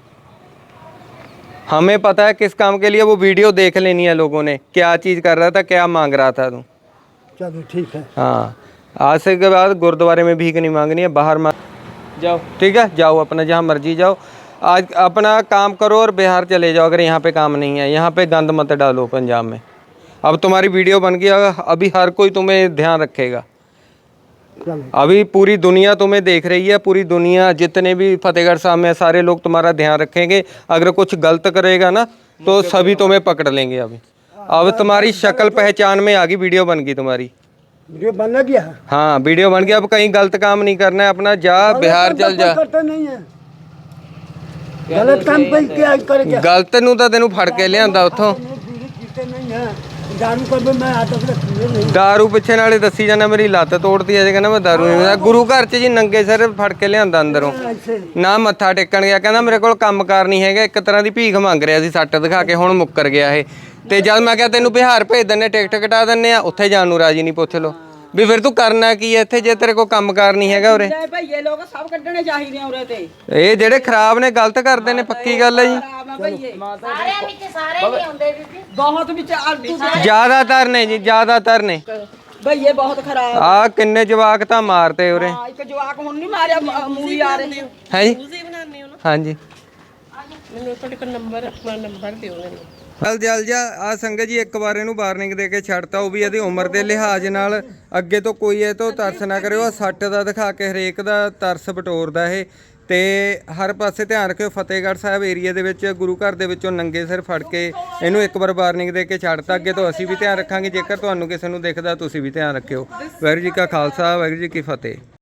A: हमें पता है किस काम के लिए, वो वीडियो देख लेनी है लोगों ने, क्या चीज़ कर रहा था, क्या मांग रहा था तू।
B: चलो ठीक है।
A: हाँ, आज से के बाद गुरुद्वारे में भीख नहीं मांगनी है, बाहर
C: जाओ,
A: ठीक है। जाओ अपना जहाँ मर्जी जाओ, आज अपना काम करो और बिहार चले जाओ। अगर यहाँ पे काम नहीं है, यहाँ पे गंद मत डालो पंजाब में। अब तुम्हारी वीडियो बन गई, अभी हर कोई तुम्हें ध्यान रखेगा। अभी पूरी दुनिया तुम्हें देख रही है, पूरी दुनिया, जितने भी फतेहगढ़ साहब में सारे लोग तुम्हारा ध्यान रखेंगे। अगर कुछ गलत करेगा ना तो सभी तुम्हें पकड़ लेंगे। अभी अब तुम्हारी शक्ल पहचान में आ गई, वीडियो बन गई तुम्हारी।
B: वीडियो बन गया।
A: हाँ वीडियो बन गया, अब कहीं गलत काम नहीं करना है, अपना जा बिहार चल जा।
B: करते नहीं है गलत काम पे क्या करेगा?
A: गलत ਨੂੰ ਤਾਂ ਤੈਨੂੰ ਫੜ ਕੇ ਲਿਆਂਦਾ ਉੱਥੋਂ।
B: पीते नहीं है, दारू का भी मैं आता नहीं।
A: ਦਾਰੂ ਪਿੱਛੇ ਨਾਲੇ ਦੱਸੀ ਜਾਂਦਾ ਮੇਰੀ ਲੱਤ ਤੋੜਤੀ ਅਜੇ, ਕਹਿੰਦਾ ਮੈਂ ਦਾਰੂ ਨਹੀਂ ਪੀਂਦਾ। ਗੁਰੂ ਘਰ 'ਚ ਜੀ ਨੰਗੇ ਸਿਰ ਫੜ ਕੇ ਲਿਆਂਦਾ ਅੰਦਰੋਂ, ਨਾ ਮੱਥਾ ਟੇਕਣ ਗਿਆ। ਕਹਿੰਦਾ ਮੇਰੇ ਕੋਲ ਕੰਮਕਾਰ ਨਹੀਂ ਹੈਗਾ, ਇੱਕ ਤਰ੍ਹਾਂ ਦੀ ਭੀਖ ਮੰਗ ਰਿਹਾ ਸੀ ਸੱਟ ਦਿਖਾ ਕੇ, ਹੁਣ ਮੁੱਕਰ ਗਿਆ ਇਹ। ਤੇ ਜਦ ਮੈਂ ਕਿਹਾ ਤੈਨੂੰ ਬਿਹਾਰ ਭੇਜ ਦਿੰਨੇ, ਟਿਕਟ ਕਟਾ ਦਿੰਨੇ ਆ, ਉੱਥੇ ਜਾਣ ਨੂੰ ਰਾਜੀ ਨਹੀਂ। ਪੁੱਛ ਲਓ ਵੀ ਫਿਰ ਤੂੰ ਕਰਨਾ ਕੀ ਹੈ ਇੱਥੇ ਜੇ ਤੇਰੇ ਕੋਲ ਕੰਮਕਾਰ ਨਹੀਂ ਹੈਗਾ ਉਰੇ।
E: ਭਈਏ ਲੋਕ ਸਭ ਕੱਢਣੇ ਚਾਹੀਦੇ ਆ ਉਰੇ ਤੇ।
A: ਇਹ ਜਿਹੜੇ ਖਰਾਬ ਨੇ ਗਲਤ ਕਰਦੇ ਨੇ, ਪੱਕੀ ਗੱਲ ਹੈ ਜੀ।
F: ਸਾਰਿਆਂ ਵਿੱਚ ਸਾਰੇ ਨਹੀਂ ਆਉਂਦੇ ਬੀਬੀ।
E: ਬਹੁਤ ਵਿੱਚ ਆਲਤੂ
A: ਜ਼ਿਆਦਾਤਰ ਨੇ ਜੀ, ਜ਼ਿਆਦਾਤਰ ਨੇ।
E: ਭਈਏ ਬਹੁਤ ਖਰਾਬ।
A: ਆ ਕਿੰਨੇ ਜਵਾਕ ਤਾਂ ਮਾਰਤੇ ਉਰੇ।
E: ਹਾਂ, ਇੱਕ ਜਵਾਕ ਹੁਣ ਨਹੀਂ ਮਾਰਿਆ, ਮੂਵੀ ਆ ਰਹੀ
A: ਹੈ ਜੀ। ਹਾਂਜੀ
F: ਮੈਨੂੰ ਤੁਹਾਡੇ ਕੋਲ ਨੰਬਰ, ਆਪਣਾ ਨੰਬਰ ਦਿਓ ਮੈਨੂੰ।
A: ਜਲ ਜਾ ਆ ਸੰਗਤ ਜੀ, ਇੱਕ ਵਾਰ ਇਹਨੂੰ ਵਾਰਨਿੰਗ ਦੇ ਕੇ ਛੱਡਤਾ, ਉਹ ਵੀ ਇਹਦੀ ਉਮਰ ਦੇ ਲਿਹਾਜ਼ ਨਾਲ। ਅੱਗੇ ਤੋਂ ਕੋਈ ਇਹ ਤੋਂ ਤਰਸ ਨਾ ਕਰਿਓ। ਆ ਸੱਟ ਦਾ ਦਿਖਾ ਕੇ ਹਰੇਕ ਦਾ ਤਰਸ ਬਟੋਰਦਾ ਇਹ। ਤੇ ਹਰ ਪਾਸੇ ਧਿਆਨ ਰੱਖਿਓ। ਫਤਿਹਗੜ੍ਹ ਸਾਹਿਬ ਏਰੀਆ ਦੇ ਵਿੱਚ ਗੁਰੂ ਘਰ ਦੇ ਵਿੱਚੋਂ ਨੰਗੇ ਸਿਰ ਫੜ ਕੇ ਇਹਨੂੰ ਇੱਕ ਵਾਰ ਵਾਰਨਿੰਗ ਦੇ ਕੇ ਛੱਡਤਾ। ਅੱਗੇ ਤੋਂ ਅਸੀਂ ਵੀ ਧਿਆਨ ਰੱਖਾਂਗੇ, ਜੇਕਰ ਤੁਹਾਨੂੰ ਕਿਸੇ ਨੂੰ ਦਿਖਦਾ ਤੁਸੀਂ ਵੀ ਧਿਆਨ ਰੱਖਿਓ। ਵਾਹਿਗੁਰੂ ਜੀ ਕਾ ਖਾਲਸਾ, ਵਾਹਿਗੁਰੂ ਜੀ ਕੀ ਫਤਿਹ।